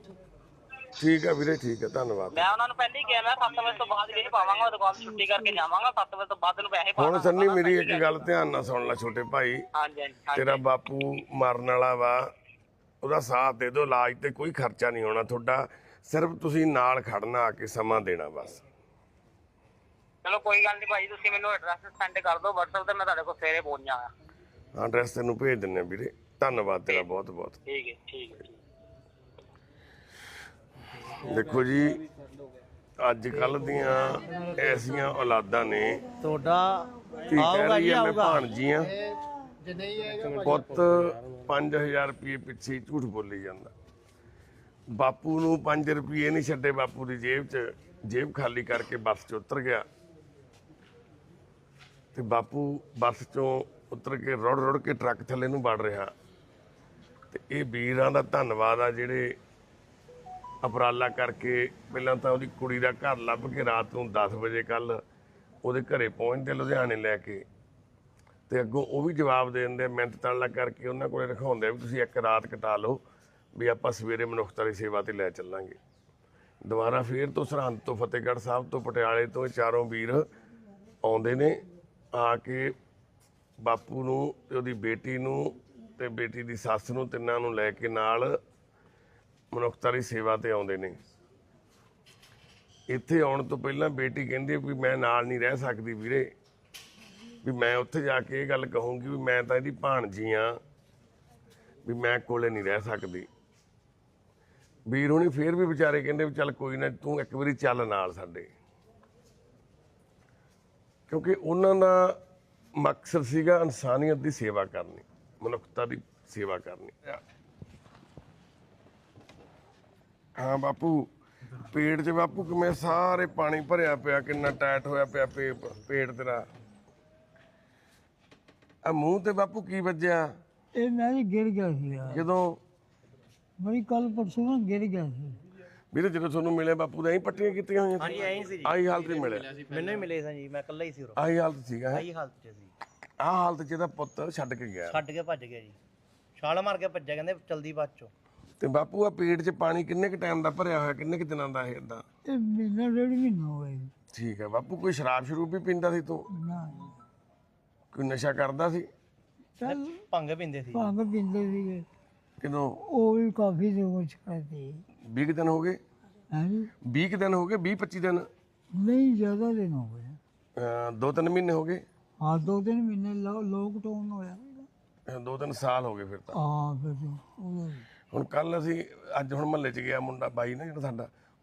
ਠੀਕ ਆ ਵੀਰੇ, ਠੀਕ ਆ, ਧੰਨਵਾਦ। ਮੈਂ ਉਹਨਾਂ ਨੂੰ ਪਹਿਲਾਂ ਹੀ ਕਿਹਾ ਮੈਂ ਸੱਤ ਵਜੇ ਤੋਂ ਬਾਅਦ ਵੀਰੇ ਪਾਵਾਂਗਾ, ਦੁਕਾਨ ਤੋਂ ਛੁੱਟੀ ਕਰਕੇ ਜਾਵਾਂਗਾ। ਸੱਤ ਵਜੇ ਤੋਂ ਬਾਅਦ ਨੂੰ ਪੈਸੇ ਹੁਣ ਪਾਵਾਂਗਾ। ਸੰਨੀ ਮੇਰੀ ਇੱਕ ਗੱਲ ਧਿਆਨ ਨਾਲ ਸੁਣ ਲੈ ਛੋਟੇ ਭਾਈ, ਹਾਂਜੀ ਹਾਂਜੀ ਤੇਰਾ ਬਾਪੂ ਮਰਨ ਵਾਲਾ ਵਾ, ਉਹਦਾ ਸਾਥ ਦੇ ਦਿਓ। ਇਲਾਜ ਤੇ ਕੋਈ ਖਰਚਾ ਨਹੀਂ ਹੋਣਾ ਤੁਹਾਡਾ, ਸਿਰਫ ਤੁਸੀਂ ਨਾਲ ਖੜਨਾ, ਆ ਕੇ ਸਮਾਂ ਦੇਣਾ ਬਸ। ਚਲੋ ਕੋਈ ਗੱਲ ਨਹੀਂ ਭਾਜੀ, ਤੁਸੀਂ ਮੈਨੂੰ ਐਡਰੈਸ ਸੈਂਡ ਕਰ ਦਿਓ WhatsApp ਤੇ, ਮੈਂ ਤੁਹਾਡੇ ਕੋਲ ਸਵੇਰੇ ਪਹੁੰਚ ਜਾਵਾਂਗਾ। ਹਾਂ ਐਡਰੈਸ ਤੈਨੂੰ ਭੇਜ ਦਿੰਨੇ ਆ ਵੀਰੇ। ਧੰਨਵਾਦ ਤੇਰਾ ਬਹੁਤ ਬਹੁਤ। ਠੀਕ ਹੈ ਠੀਕ ਹੈ। ਦੇਖੋ ਜੀ, ਅੱਜ ਕੱਲ ਦੀਆਂ ਐਸੀਆਂ ਔਲਾਦਾਂ ਨੇ, ਤੁਹਾਡਾ ਕੀ ਕਹਿ ਆਊਗਾ ਰਹੀ ਜੀ, ਹੈ ਮੈਂ ਆਊਗਾ। ਭਾਣਜੀਆਂ ਪੁੱਤ ਪੰਜ ਹਜ਼ਾਰ ਰੁਪਏ ਪਿੱਛੇ ਹੀ ਝੂਠ ਬੋਲੀ ਜਾਂਦਾ। ਬਾਪੂ ਨੂੰ ਪੰਜ ਰੁਪਏ ਨਹੀਂ ਛੱਡੇ ਬਾਪੂ ਦੀ ਜੇਬ 'ਚ, ਜੇਬ ਖਾਲੀ ਕਰਕੇ ਬੱਸ 'ਚ ਉਤਰ ਗਿਆ ਤੇ ਬਾਪੂ ਬੱਸ 'ਚੋਂ ਉਤਰ ਕੇ ਰੁੜ ਰੁੜ ਕੇ ਟਰੱਕ ਥੱਲੇ ਨੂੰ ਵੜ ਰਿਹਾ। ਤੇ ਇਹ ਵੀਰਾਂ ਦਾ ਧੰਨਵਾਦ ਆ ਜਿਹੜੇ ਉਪਰਾਲਾ ਕਰਕੇ ਪਹਿਲਾਂ ਤਾਂ ਉਹਦੀ ਕੁੜੀ ਦਾ ਘਰ ਲੱਭ ਕੇ ਰਾਤ ਨੂੰ ਦਸ ਵਜੇ ਕੱਲ ਉਹਦੇ ਘਰੇ ਪਹੁੰਚਦੇ ਲੁਧਿਆਣੇ ਲੈ ਕੇ, ਤੇ ਅੱਗੋਂ ਉਹ ਵੀ ਜਵਾਬ ਦੇ ਦਿੰਦੇ, ਮਿਹਨਤ ਤਾਲਾ ਕਰਕੇ ਉਹਨਾਂ ਕੋਲੇ ਰਖਾਉਂਦੇ ਆ ਵੀ ਤੁਸੀਂ ਇੱਕ ਰਾਤ ਕਟਾ ਲਓ, ਵੀ ਆਪਾਂ ਸਵੇਰੇ ਮਨੁੱਖਤਾ ਦੀ ਸੇਵਾ ਤੇ ਲੈ ਚੱਲਾਂਗੇ। ਦੁਬਾਰਾ ਫੇਰ ਤੋਂ ਸਰਹੰਦ ਤੋਂ, ਫਤਿਹਗੜ੍ਹ ਸਾਹਿਬ ਤੋਂ, ਪਟਿਆਲੇ ਤੋਂ ਇਹ ਚਾਰੋਂ ਵੀਰ ਆਉਂਦੇ ਨੇ, ਆ ਕੇ ਬਾਪੂ ਨੂੰ ਤੇ ਉਹਦੀ ਬੇਟੀ ਨੂੰ ਤੇ ਬੇਟੀ ਦੀ ਸੱਸ ਨੂੰ, ਤਿੰਨਾਂ ਨੂੰ ਲੈ ਕੇ ਨਾਲ ਮਨੁੱਖਤਾ ਦੀ ਸੇਵਾ ਤੇ ਆਉਂਦੇ ਨੇ। ਇੱਥੇ ਆਉਣ ਤੋਂ ਪਹਿਲਾਂ ਬੇਟੀ ਕਹਿੰਦੀ ਵੀ ਮੈਂ ਨਾਲ ਨਹੀਂ ਰਹਿ ਸਕਦੀ ਵੀਰੇ, ਵੀ ਮੈਂ ਉੱਥੇ ਜਾ ਕੇ ਇਹ ਗੱਲ ਕਹੂੰਗੀ ਵੀ ਮੈਂ ਤਾਂ ਇਹਦੀ ਭਾਣਜੀ ਆ, ਵੀ ਮੈਂ ਕੋਲੇ ਨਹੀਂ ਰਹਿ ਸਕਦੀ। ਵੀਰ ਹੁਣੀ ਫੇਰ ਵੀ ਵਿਚਾਰੇ ਕਹਿੰਦੇ ਵੀ ਚੱਲ ਕੋਈ ਨਾ, ਤੂੰ ਇੱਕ ਵਾਰੀ ਚੱਲ ਨਾਲ ਸਾਡੇ, ਕਿਉਂਕਿ ਉਹਨਾਂ ਦਾ ਮਕਸਦ ਸੀਗਾ ਇਨਸਾਨੀਅਤ ਦੀ ਸੇਵਾ ਕਰਨੀ, ਮਨੁੱਖਤਾ ਦੀ ਸੇਵਾ ਕਰਨੀ। ਹਾਂ ਬਾਪੂ, ਪੇਟ 'ਚ ਬਾਪੂ ਕਿਵੇਂ ਸਾਰੇ ਪਾਣੀ ਭਰਿਆ ਪਿਆ, ਕਿੰਨਾ ਟਾਈਟ ਹੋਇਆ ਪਿਆ ਪੇ ਪੇਟ ਤੇਰਾ। ਆ ਮੂੰਹ ਤੇ ਬਾਪੂ ਕੀ ਵੱਜਿਆ? ਇਹ ਮੈਂ ਵੀ ਗਿਰ ਗਿਆ ਸੀਗਾ, ਜਦੋਂ ਬੜੀ ਕੱਲ ਪਰਸੋਂ ਨਾ ਗਿਰ ਗਿਆ ਸੀ। ਵੀਰੇ ਜਦੋਂ ਤੁਹਾਨੂੰ ਮਿਲੇ ਬਾਪੂ ਦਾ ਐਂ ਪੱਟੀਆਂ ਕੀਤੀਆਂ ਹੋਈਆਂ ਹਾਂਜੀ ਐਂ ਸੀ ਜੀ, ਆਹੀ ਹਾਲਤ 'ਚ ਮਿਲਿਆ? ਮੈਨੂੰ ਹੀ ਮਿਲੇ ਸਾਂ ਜੀ, ਮੈਂ ਇਕੱਲਾ ਹੀ ਸੀ ਉਰੋਂ। ਆਹੀ ਹਾਲਤ ਸੀਗਾ। ਆਹੀ ਹਾਲਤ 'ਚ ਸੀ। ਆਹ ਹਾਲਤ 'ਚ ਇਹਦਾ ਪੁੱਤ ਛੱਡ ਕੇ ਗਿਆ ਛੱਡ ਕੇ ਭੱਜ ਗਿਆ ਜੀ, ਛਾਲ ਮਾਰ ਕੇ ਭੱਜਿਆ, ਕਹਿੰਦੇ ਚਲਦੀ ਬਾਅਦ ਚੋਂ। ਤੇ ਬਾਪੂ ਆ ਪੇਟ 'ਚ ਪਾਣੀ ਕਿੰਨੇ ਕ ਟਾਈਮ ਦਾ ਭਰਿਆ ਹੋਇਆ, ਕਿੰਨੇ ਕ ਦਿਨਾਂ ਦਾ ਇਹ ਏਦਾਂ? ਇਹ ਮਹੀਨਾ ਡੇਢ ਮਹੀਨਾ ਹੋ ਗਿਆ ਜੀ। ਠੀਕ ਹੈ ਬਾਪੂ, ਕੋਈ ਸ਼ਰਾਬ ਸ਼ਰੂਬ ਵੀ ਪੀਂਦਾ ਸੀ ਤੂੰ? ਨਾ ਕੋਈ ਨਸ਼ਾ ਕਰਦਾ ਸੀ? ਚੱਲ ਭੰਗ ਪੀਂਦੇ ਸੀ। ਭੰਗ ਪੀਂਦੇ ਸੀਗੇ, ਕਿਦੋਂ? ਉਹ ਵੀ ਕਾਫੀ ਦੇ ਕੁਛ ਕਰਦੇ। ਵੀਹ ਕੁ ਦਿਨ ਹੋ ਗਏ? ਹਾਂਜੀ ਵੀਹ ਕੁ ਦਿਨ ਹੋ ਗਏ, ਵੀਹ ਪੱਚੀ ਦਿਨ? ਨਹੀਂ ਜ਼ਿਆਦਾ ਦਿਨ ਹੋ ਗਏ। ਅਹ ਦੋ ਤਿੰਨ ਮਹੀਨੇ ਹੋ ਗਏ? ਹਾਂ ਦੋ ਤਿੰਨ ਮਹੀਨੇ ਲੋਕਡਾਊਨ ਹੋਇਆ। ਅਹ ਦੋ ਤਿੰਨ ਸਾਲ ਹੋ ਗਏ ਫਿਰ ਤਾਂ। ਹਾਂ ਫਿਰ ਉਦੋਂ ਹੁਣ ਕੱਲ ਅਸੀਂ ਅੱਜ ਹੁਣ ਮਹੱਲੇ 'ਚ ਗਿਆ ਮੁੰਡਾ ਬਾਈ ਨਾ ਜਿਹੜਾ ਸਾਡਾ,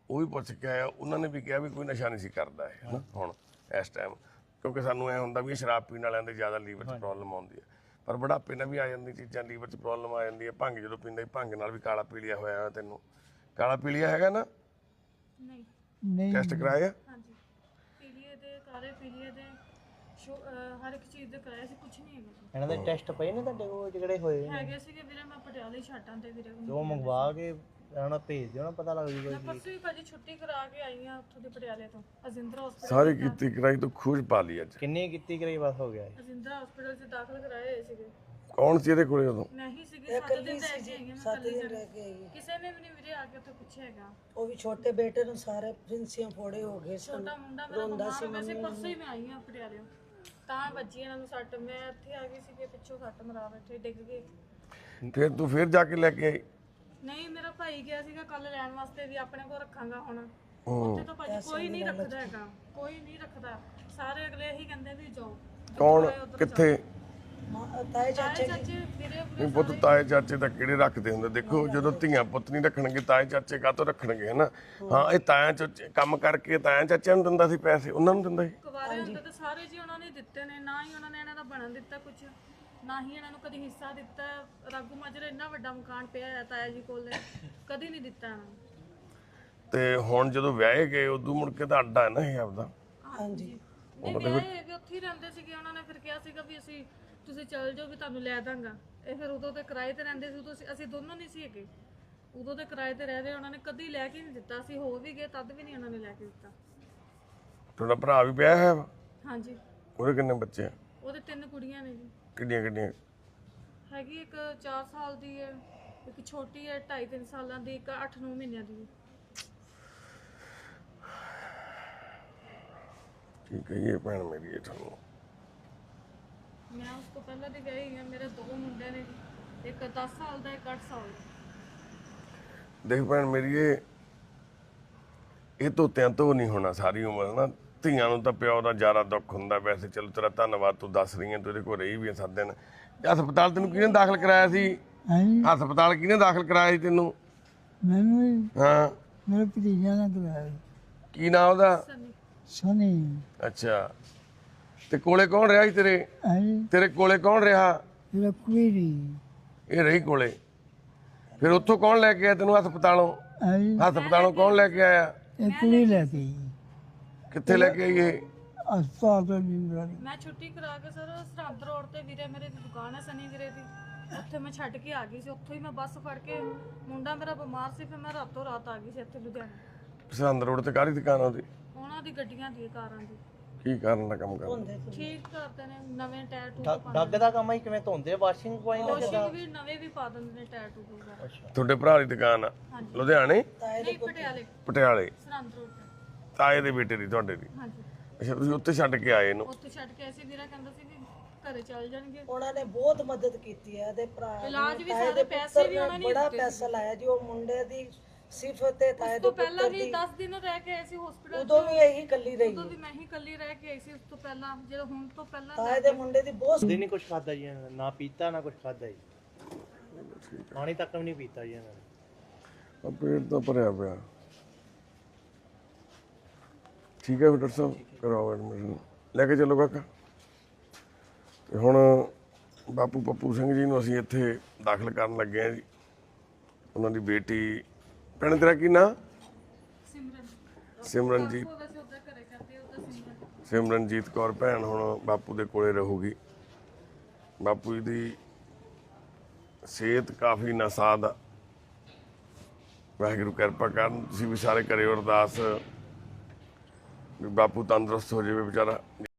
ਉਹ ਵੀ ਪੁੱਛ ਕੇ ਆਇਆ, ਉਹਨਾਂ ਨੇ ਵੀ ਕਿਹਾ ਵੀ ਕੋਈ ਨਸ਼ਾ ਨਹੀਂ ਸੀ ਕਰਦਾ ਇਹ ਹਨਾ ਹੁਣ ਇਸ ਟਾਈਮ, ਕਿਉਂਕਿ ਸਾਨੂੰ ਐ ਹੁੰਦਾ ਵੀ ਇਹ ਸ਼ਰਾਬ ਪੀਣ ਵਾਲਿਆਂ ਦੇ ਜ਼ਿਆਦਾ ਲੀਵਰ 'ਚ ਪ੍ਰੋਬਲਮ ਆਉਂਦੀ ਹੈ, ਪਰ ਬੁਢਾਪੇ ਨਾਲ ਵੀ ਆ ਜਾਂਦੀ ਚੀਜ਼ਾਂ, ਲੀਵਰ 'ਚ ਪ੍ਰੋਬਲਮ ਆ ਜਾਂਦੀ ਹੈ। ਭੰਗ ਜਦੋਂ ਪੀਂਦਾ ਸੀ, ਭੰਗ ਨਾਲ ਵੀ ਕਾਲਾ ਪੀਲੀਆ ਹੋਇਆ। ਤੈਨੂੰ ਕਾਲਾ ਪੀਲੀਆ ਹੈਗਾ ਨਾ? ਨਹੀਂ ਨਹੀਂ ਟੈਸਟ ਕਰਾਇਆ? ਹਾਂਜੀ ਪੀਲੀਏ ਦੇ ਕਾਲੇ ਪੀਲੀਏ ਦੇ ਸ਼ੋ- ਅਹ ਹਰ ਇੱਕ ਚੀਜ਼ ਦੇ ਕਰਾਇਆ ਸੀ, ਕੁਝ ਨਹੀਂ ਹੈਗਾ ਜੀ। ਇਹਨਾਂ ਦੇ ਟੈਸਟ ਪਏ ਨੇ ਤੁਹਾਡੇ ਕੋਲ ਜਿਹੜੇ ਹੋਏ ਨੇ? ਹੈਗੇ ਸੀਗੇ ਵੀਰੇ, ਮੈਂ ਪਟਿਆਲੇ ਛੱਡਾਂ ਤੇ ਵੀਰੇ ਉਹ ਮੰਗਵਾ ਕੇ ਇਹਨਾਂ ਨੂੰ ਭੇਜ ਦਿਓ ਨਾ, ਪਤਾ ਲੱਗ ਜੂਗਾ ਮੈਂ ਜੀ। ਪਰਸੋਂ ਹੀ ਭਾਜੀ ਛੁੱਟੀ ਕਰਾ ਕੇ ਆਈ ਆ ਉੱਥੋਂ ਦੇ ਪਟਿਆਲੇ ਤੋਂ ਅਜਿੰਦਰਾ ਹਸਪੀਟਲ। ਸਾਰੀ ਕੀਤੀ ਕਰਾਈ ਤੋਂ ਖੂਜ ਪਾ ਲਈ ਅੱਜ। ਕਿੰਨੀ ਕੀਤੀ ਕਰਾਈ ਬਸ ਹੋ ਗਿਆ ਇਹ? ਅਜਿੰਦਰਾ ਹਸਪੀਟਲ 'ਚ ਦਾਖਲ ਕਰਾਏ ਹੋਏ ਸੀਗੇ। ਕੌਣ ਸੀ ਇਹਦੇ ਕੋਲੇ ਉਦੋਂ? ਮੈਂ ਹੀ ਸੀਗੀ, ਸੱਤ ਦਿਨ ਰਹਿ ਕੇ ਆਈ ਹਾਂ ਮੈਂ ਕੱਲੀ ਰਹਿ ਕੇ ਆਈ ਹੈ। ਕਿਸੇ ਨੇ ਵੀ ਨਹੀਂ ਵੀਰੇ ਆ ਕੇ ਉੱਥੇ ਪੁੱਛਿਆ ਹੈਗਾ। ਉਹ ਵੀ ਛੋਟੇ ਬੇਟੇ ਨੂੰ ਸਾਰੇ ਪ੍ਰਿੰਸੀਆਂ ਫੋੜੇ ਹੋ ਗਏ ਸਨ। ਛੋਟਾ ਮੁੰਡਾ ਮੇਰਾ ਬਿਮਾਰ ਹੋ ਗਿਆ ਸੀ, ਪਰਸੋਂ ਹੀ ਮੈਂ ਆਈ ਹਾਂ ਪਟਿਆਲੇ ਤਾਂ ਵੱਜੀ ਇਹਨਾਂ ਨੂੰ ਸੱਟ। ਮੈਂ ਇੱਥੇ ਆ ਗਈ ਸੀ ਕਿ ਪਿੱਛੋਂ ਸੱਟ ਮਰਾ ਬੈਠੇ, ਡਿੱਗ ਗਏ। ਫਿਰ ਤੂੰ ਫਿਰ ਜਾ ਕੇ ਲੈ ਕੇ ਆਈ? ਨਹੀਂ ਮੇਰਾ ਭਾਈ ਗਿਆ ਸੀਗਾ ਕੱਲ ਲੈਣ ਵਾਸਤੇ ਵੀ ਆਪਣੇ ਕੋਲ ਰੱਖਾਂਗਾ ਹੁਣ। ਉੱਥੇ ਤਾਂ ਭਾਜੀ ਕੋਈ ਨਹੀਂ ਰੱਖਦਾ ਹੈਗਾ, ਕੋਈ ਨਹੀਂ ਰੱਖਦਾ। ਸਾਰੇ ਅਗਲੇ ਇਹੀ ਕਹਿੰਦੇ ਵੀ ਜਾਓ। ਕੌਣ ਕਿੱਥੇ? ਮਾਂ- ਤਾਏ ਚਾਚੇ ਚਾਚੇ ਚਾਚੇ ਵੀਰੇ ਨਹੀਂ ਪੁੱਤ, ਤਾਏ ਚਾਚੇ ਤਾਂ ਕਿਹੜੇ ਰੱਖਦੇ ਹੁੰਦੇ? ਦੇਖੋ ਜਦੋਂ ਧੀਆਂ ਪੁੱਤ ਨਹੀਂ ਰੱਖਣਗੇ, ਤਾਏ ਚਾਚੇ ਕਾਹਤੋਂ ਰੱਖਣਗੇ ਹਨਾ? ਹਾਂ, ਇਹ ਤਾਇਆ ਚਾਚੇ ਕੰਮ ਕਰਕੇ ਤਾਇਆ ਚਾਚਿਆਂ ਨੂੰ ਦਿੰਦਾ ਸੀ ਪੈਸੇ, ਉਹਨਾਂ ਨੂੰ ਦਿੰਦਾ ਸੀ। ਕੁਵਾਰੇ ਹੁੰਦੇ ਤਾਂ ਸਾਰੇ ਜੀ ਉਹਨਾਂ ਨੇ ਦਿੱਤੇ ਨੇ, ਨਾ ਹੀ ਉਹਨਾਂ ਨੇ ਇਹਨਾਂ ਦਾ ਬਣਨ ਦਿੱਤਾ ਕੁਝ, ਨਾ ਹੀ ਇਹਨਾਂ ਨੂੰ ਕਦੀ ਹਿੱਸਾ ਦਿੱਤਾ। ਰਾਗੂ ਮਾਜਰੇ ਇੰਨਾ ਵੱਡਾ ਮਕਾਨ ਪਿਆ ਹੈ ਤਾਇਆ ਜੀ ਕੋਲ, ਕਦੀ ਨਹੀਂ ਦਿੱਤਾ ਇਹਨਾਂ ਨੂੰ। ਤੇ ਹੁਣ ਜਦੋਂ ਵਿਆਹੇ ਗਏ ਉਦੋਂ ਮੁੜ ਕੇ ਤਾਂ ਅੱਡਾ ਹੈ ਨਾ ਇਹ ਆਪਦਾ? ਹਾਂਜੀ ਨਹੀਂ ਵਿਆਹੇ ਹੈਗੇ, ਉੱਥੇ ਹੀ ਰਹਿੰਦੇ ਸੀਗੇ। ਉਹਨਾਂ ਨੇ ਫਿਰ ਕਿਹਾ ਸੀਗਾ ਵੀ ਅਸੀਂ ਤੁਸੀਂ ਚੱਲ ਜਾਓ ਵੀ ਤੁਹਾਨੂੰ ਲੈ ਦਾਂਗਾ। ਇਹ ਫਿਰ ਉਦੋਂ ਤੇ ਕਿਰਾਏ ਤੇ ਰਹਿੰਦੇ ਸੀ, ਉਦੋਂ ਅਸੀਂ- ਅਸੀਂ ਦੋਨੋਂ ਨਹੀਂ ਸੀ ਹੈਗੇ, ਉਦੋਂ ਤੇ ਕਿਰਾਏ ਤੇ ਰਹਿ ਰਹੇ। ਉਹਨਾਂ ਨੇ ਕਦੀ ਲੈ ਕੇ ਨਹੀਂ ਦਿੱਤਾ। ਅਸੀਂ ਹੋ ਵੀ ਗਏ ਤਦ ਵੀ ਨਹੀਂ ਉਹਨਾਂ ਨੇ ਲੈ ਕੇ ਦਿੱਤਾ। ਤੁਹਾਡਾ ਭਰਾ ਵੀ ਵਿਆਹਿਆ ਹੈ ਵਾ? ਹਾਂਜੀ ਉਹਦੇ ਕਿੰਨੇ ਬੱਚੇ ਆ? ਉਹਦੇ ਤਿੰਨ ਕੁੜੀਆਂ ਨੇ ਜੀ। ਕਿੰਨੀਆਂ ਕਿੰਨੀਆਂ? ਹੈਗੀ ਇੱਕ ਚਾਰ ਸਾਲ ਦੀ ਹੈ, ਇੱਕ ਛੋਟੀ ਹੈ ਢਾਈ ਤਿੰਨ ਸਾਲਾਂ ਦੀ, ਇੱਕ ਅੱਠ ਨੌ ਮਹੀਨਿਆਂ ਦੀ ਹੈ। ਕੀ ਕਹੀਏ ਭੈਣ ਮੇਰੀ ਇਹ ਤੁਹਾਨੂੰ? ਮੈਂ ਉਸ ਤੋਂ ਪਹਿਲਾਂ ਦੀ ਗਈ ਹਾਂ। ਮੇਰੇ ਦੋ ਮੁੰਡੇ ਨੇ ਜੀ, ਇੱਕ ਦਸ ਸਾਲ ਦਾ, ਇੱਕ ਅੱਠ ਸਾਲ ਦਾ। ਦੇਖ ਭੈਣ ਮੇਰੀ, ਇਹ ਇਹ ਧੋਤਿਆਂ ਤੋਂ ਨਹੀਂ ਹੋਣਾ ਸਾਰੀ ਉਮਰ ਨਾ। ਧੀਆਂ ਨੂੰ ਤਾਂ ਪਿਓ ਦਾ ਜ਼ਿਆਦਾ ਦੁੱਖ ਹੁੰਦਾ। ਵੈਸੇ ਚਲੋ ਤੇਰਾ ਧੰਨਵਾਦ, ਤੂੰ ਦੱਸ ਰਹੀ ਹੈ, ਤੂੰ ਇਹਦੇ ਕੋਲ ਰਹੀ ਵੀ ਸੱਤ ਦਿਨ। ਹਸਪਤਾਲ ਤੈਨੂੰ ਕਿਹਨੇ ਦਾਖਲ ਕਰਾਇਆ ਸੀ? ਹਾਂਜੀ ਹਸਪਤਾਲ ਕਿਹਨੇ ਦਾਖਲ ਕਰਾਇਆ ਸੀ ਤੈਨੂੰ? ਮੈਨੂੰ ਵੀ ਹਾਂ, ਮੇਰੇ ਭਤੀਜਾ ਨੇ ਕਰਾਇਆ ਕੀ ਨਾਮ ਉਹਦਾ? ਸਨੀ ਸਨੀ। ਅੱਛਾ, ਤੇ ਕੋਲੇ ਕੌਣ ਰਿਹਾ ਸੀ ਤੇਰੇ? ਹਾਂਜੀ ਤੇਰੇ ਕੋਲੇ ਕੌਣ ਰਿਹਾ? ਮੇਰਾ ਕੁੜੀ ਦੀ। ਇਹ ਰਹੀ ਕੋਲੇ। ਫਿਰ ਉੱਥੋਂ ਕੌਣ ਲੈ ਕੇ ਆਇਆ ਤੈਨੂੰ ਹਸਪਤਾਲੋਂ? ਹਾਂਜੀ ਹਸਪਤਾਲੋਂ ਕੌਣ ਲੈ ਕੇ ਆਇਆ? ਇਹ ਕੁੜੀ ਲੈ ਕੇ ਆਈ। ਕਿੱਥੇ ਲੈ ਕੇ ਆਈ ਇਹ? ਹਸਪਤਾਲ ਤੋਂ ਜਿੰਦਰਾ ਦੀ। ਮੈਂ ਛੁੱਟੀ ਕਰਾ ਕੇ ਸਰ ਸਰਹੰਦ ਰੋਡ ਤੇ ਵੀਰੇ ਮੇਰੇ ਦੀ ਦੁਕਾਨ ਹੈ ਸਨੀ ਵੀਰੇ ਦੀ, ਉੱਥੇ ਮੈਂ ਛੱਡ ਕੇ ਆ ਗਈ ਸੀ। ਉੱਥੋਂ ਹੀ ਮੈਂ ਬੱਸ ਫੜ ਕੇ, ਮੁੰਡਾ ਮੇਰਾ ਬਿਮਾਰ ਸੀ, ਫਿਰ ਮੈਂ ਰਾਤੋਂ ਰਾਤ ਆ ਗਈ ਸੀ ਇੱਥੇ ਲੁਧਿਆਣੇ। ਸਰਹੰਦ ਰੋਡ ਤੇ ਕਾਹਦੀ ਦੁਕਾਨ ਆ ਉਹਦੀ? ਉਹਨਾਂ ਦੀ ਗੱਡੀਆਂ ਦੀ, ਕਾਰਾਂ ਦੀ। ਕੀ ਕਾਰਨ ਦਾ ਕੰਮ ਕਰਦਾ? ਠੀਕ ਕਰਦੇ ਨੇ, ਨਵੇਂ ਟਾਇਰ ਟੂ ਡੱਗ ਦਾ ਕੰਮ ਹੀ ਕਿਵੇਂ ਧੋਂਦੇ? ਵਾਸ਼ਿੰਗ ਪੁਆਇੰਟ ਵਾਸ਼ਿੰਗ ਵੀ ਨਵੇਂ ਵੀ ਪਾ ਦਿੰਦੇ ਨੇ ਟਾਇਰ ਟੂ ਵਗੈਰਾ। ਤੁਹਾਡੇ ਭਰਾ ਦੀ ਦੁਕਾਨ ਆ ਲੁਧਿਆਣੇ? ਨਹੀਂ ਪਟਿਆਲੇ ਪਟਿਆਲੇ? ਸਰਹੰਦ ਰੋਡ ਤੇ। ਤਾਏ ਦੇ ਬੇਟੇ ਦੀ, ਤੁਹਾਡੇ ਦੀ? ਹਾਂਜੀ ਅੱਛਾ, ਤੁਸੀਂ ਉੱਥੇ ਛੱਡ ਕੇ ਆਏ ਇਹਨੂੰ? ਉੱਥੇ ਛੱਡ ਕੇ ਆਏ ਸੀ। ਵੀਰਾ ਕਹਿੰਦਾ ਸੀ ਵੀ ਘਰੇ ਚੱਲ ਜਾਣਗੇ। ਉਹਨਾਂ ਨੇ ਬਹੁਤ ਮਦਦ ਕੀਤੀ ਹੈ ਤੇ ਭਰਾ ਨੇ, ਇਲਾਜ ਵੀ ਤਾਏ ਸਾਰੇ ਦੇ ਪੈਸੇ ਪੁੱਤਰ ਵੀ ਨੇ ਉਹਨਾਂ ਨੇ ਬੜਾ ਦਿੱਤੇ ਪੈਸਾ ਲਾਇਆ ਜੀ। ਉਹ ਮੁੰਡੇ ਦੀ ਸਿਫਤ ਤੇ ਤਾਏ ਉਸ ਦੇ ਤੋਂ ਪਹਿਲਾਂ ਪੁੱਤਰ ਵੀ ਦੀ। ਦਸ ਦਿਨ ਰਹਿ ਕੇ ਆਏ ਸੀ ਹਸਪੀਟਲ। ਉਦੋਂ ਵੀ ਇਹੀ ਕੱਲੀ ਰਹੀ। ਉਦੋਂ ਵੀ ਮੈਂ ਹੀ ਇਕੱਲੀ ਰਹਿ ਕੇ ਆਈ ਸੀ। ਉਸ ਤੋਂ ਪਹਿਲਾਂ ਜਦੋਂ ਹੁਣ ਤੋਂ ਪਹਿਲਾਂ ਤਾਏ ਦੇ ਮੁੰਡੇ ਦੀ ਬਹੁਤ ਦਿਨ ਹੀ ਕੁਝ ਖਾਦਾ ਜੀ ਇਹਨਾਂ ਨੇ, ਨਾ ਪੀਤਾ ਨਾ ਕੁਝ ਖਾਦਾ ਜੀ। ਪਾਣੀ ਤੱਕ ਵੀ ਨਹੀਂ ਪੀਤਾ ਜੀ ਇਹਨਾਂ ਨੇ। ਆ ਪੇਟ ਤਾਂ ਭਰਿਆ ਪਿਆ। ਠੀਕ ਹੈ ਫਿਰ ਡਾਕਟਰ ਸਾਹਿਬ, ਕਰਾਓ ਐਡਮਿਸ਼ਨ, ਲੈ ਕੇ ਚੱਲੋ ਕਾਕਾ। ਤੇ ਹੁਣ ਬਾਪੂ ਪੱਪੂ ਸਿੰਘ ਜੀ ਨੂੰ ਅਸੀਂ ਇੱਥੇ ਦਾਖਲ ਕਰਨ ਲੱਗੇ ਹਾਂ ਜੀ। ਉਹਨਾਂ ਦੀ ਬੇਟੀ, ਭੈਣ ਤੇਰਾ ਕੀ ਨਾਂ? ਸਿਮਰਨ ਸਿਮਰਨਜੀਤ। ਉਹ ਵੈਸੇ ਉਧਰ ਘਰੇ ਕਰਦੇ ਉਧਰ ਸਿਮਰਨ। ਸਿਮਰਨਜੀਤ ਕੌਰ ਭੈਣ ਹੁਣ ਬਾਪੂ ਦੇ ਕੋਲੇ ਰਹੂਗੀ। ਬਾਪੂ ਜੀ ਦੀ ਸਿਹਤ ਕਾਫੀ ਨਾਸਾਜ਼ ਆ। ਵਾਹਿਗੁਰੂ ਕਿਰਪਾ ਕਰਨ, ਤੁਸੀਂ ਵੀ ਸਾਰੇ ਕਰਿਓ ਅਰਦਾਸ ਵੀ ਬਾਪੂ ਤੰਦਰੁਸਤ ਹੋ ਜਾਵੇ ਵਿਚਾਰਾ।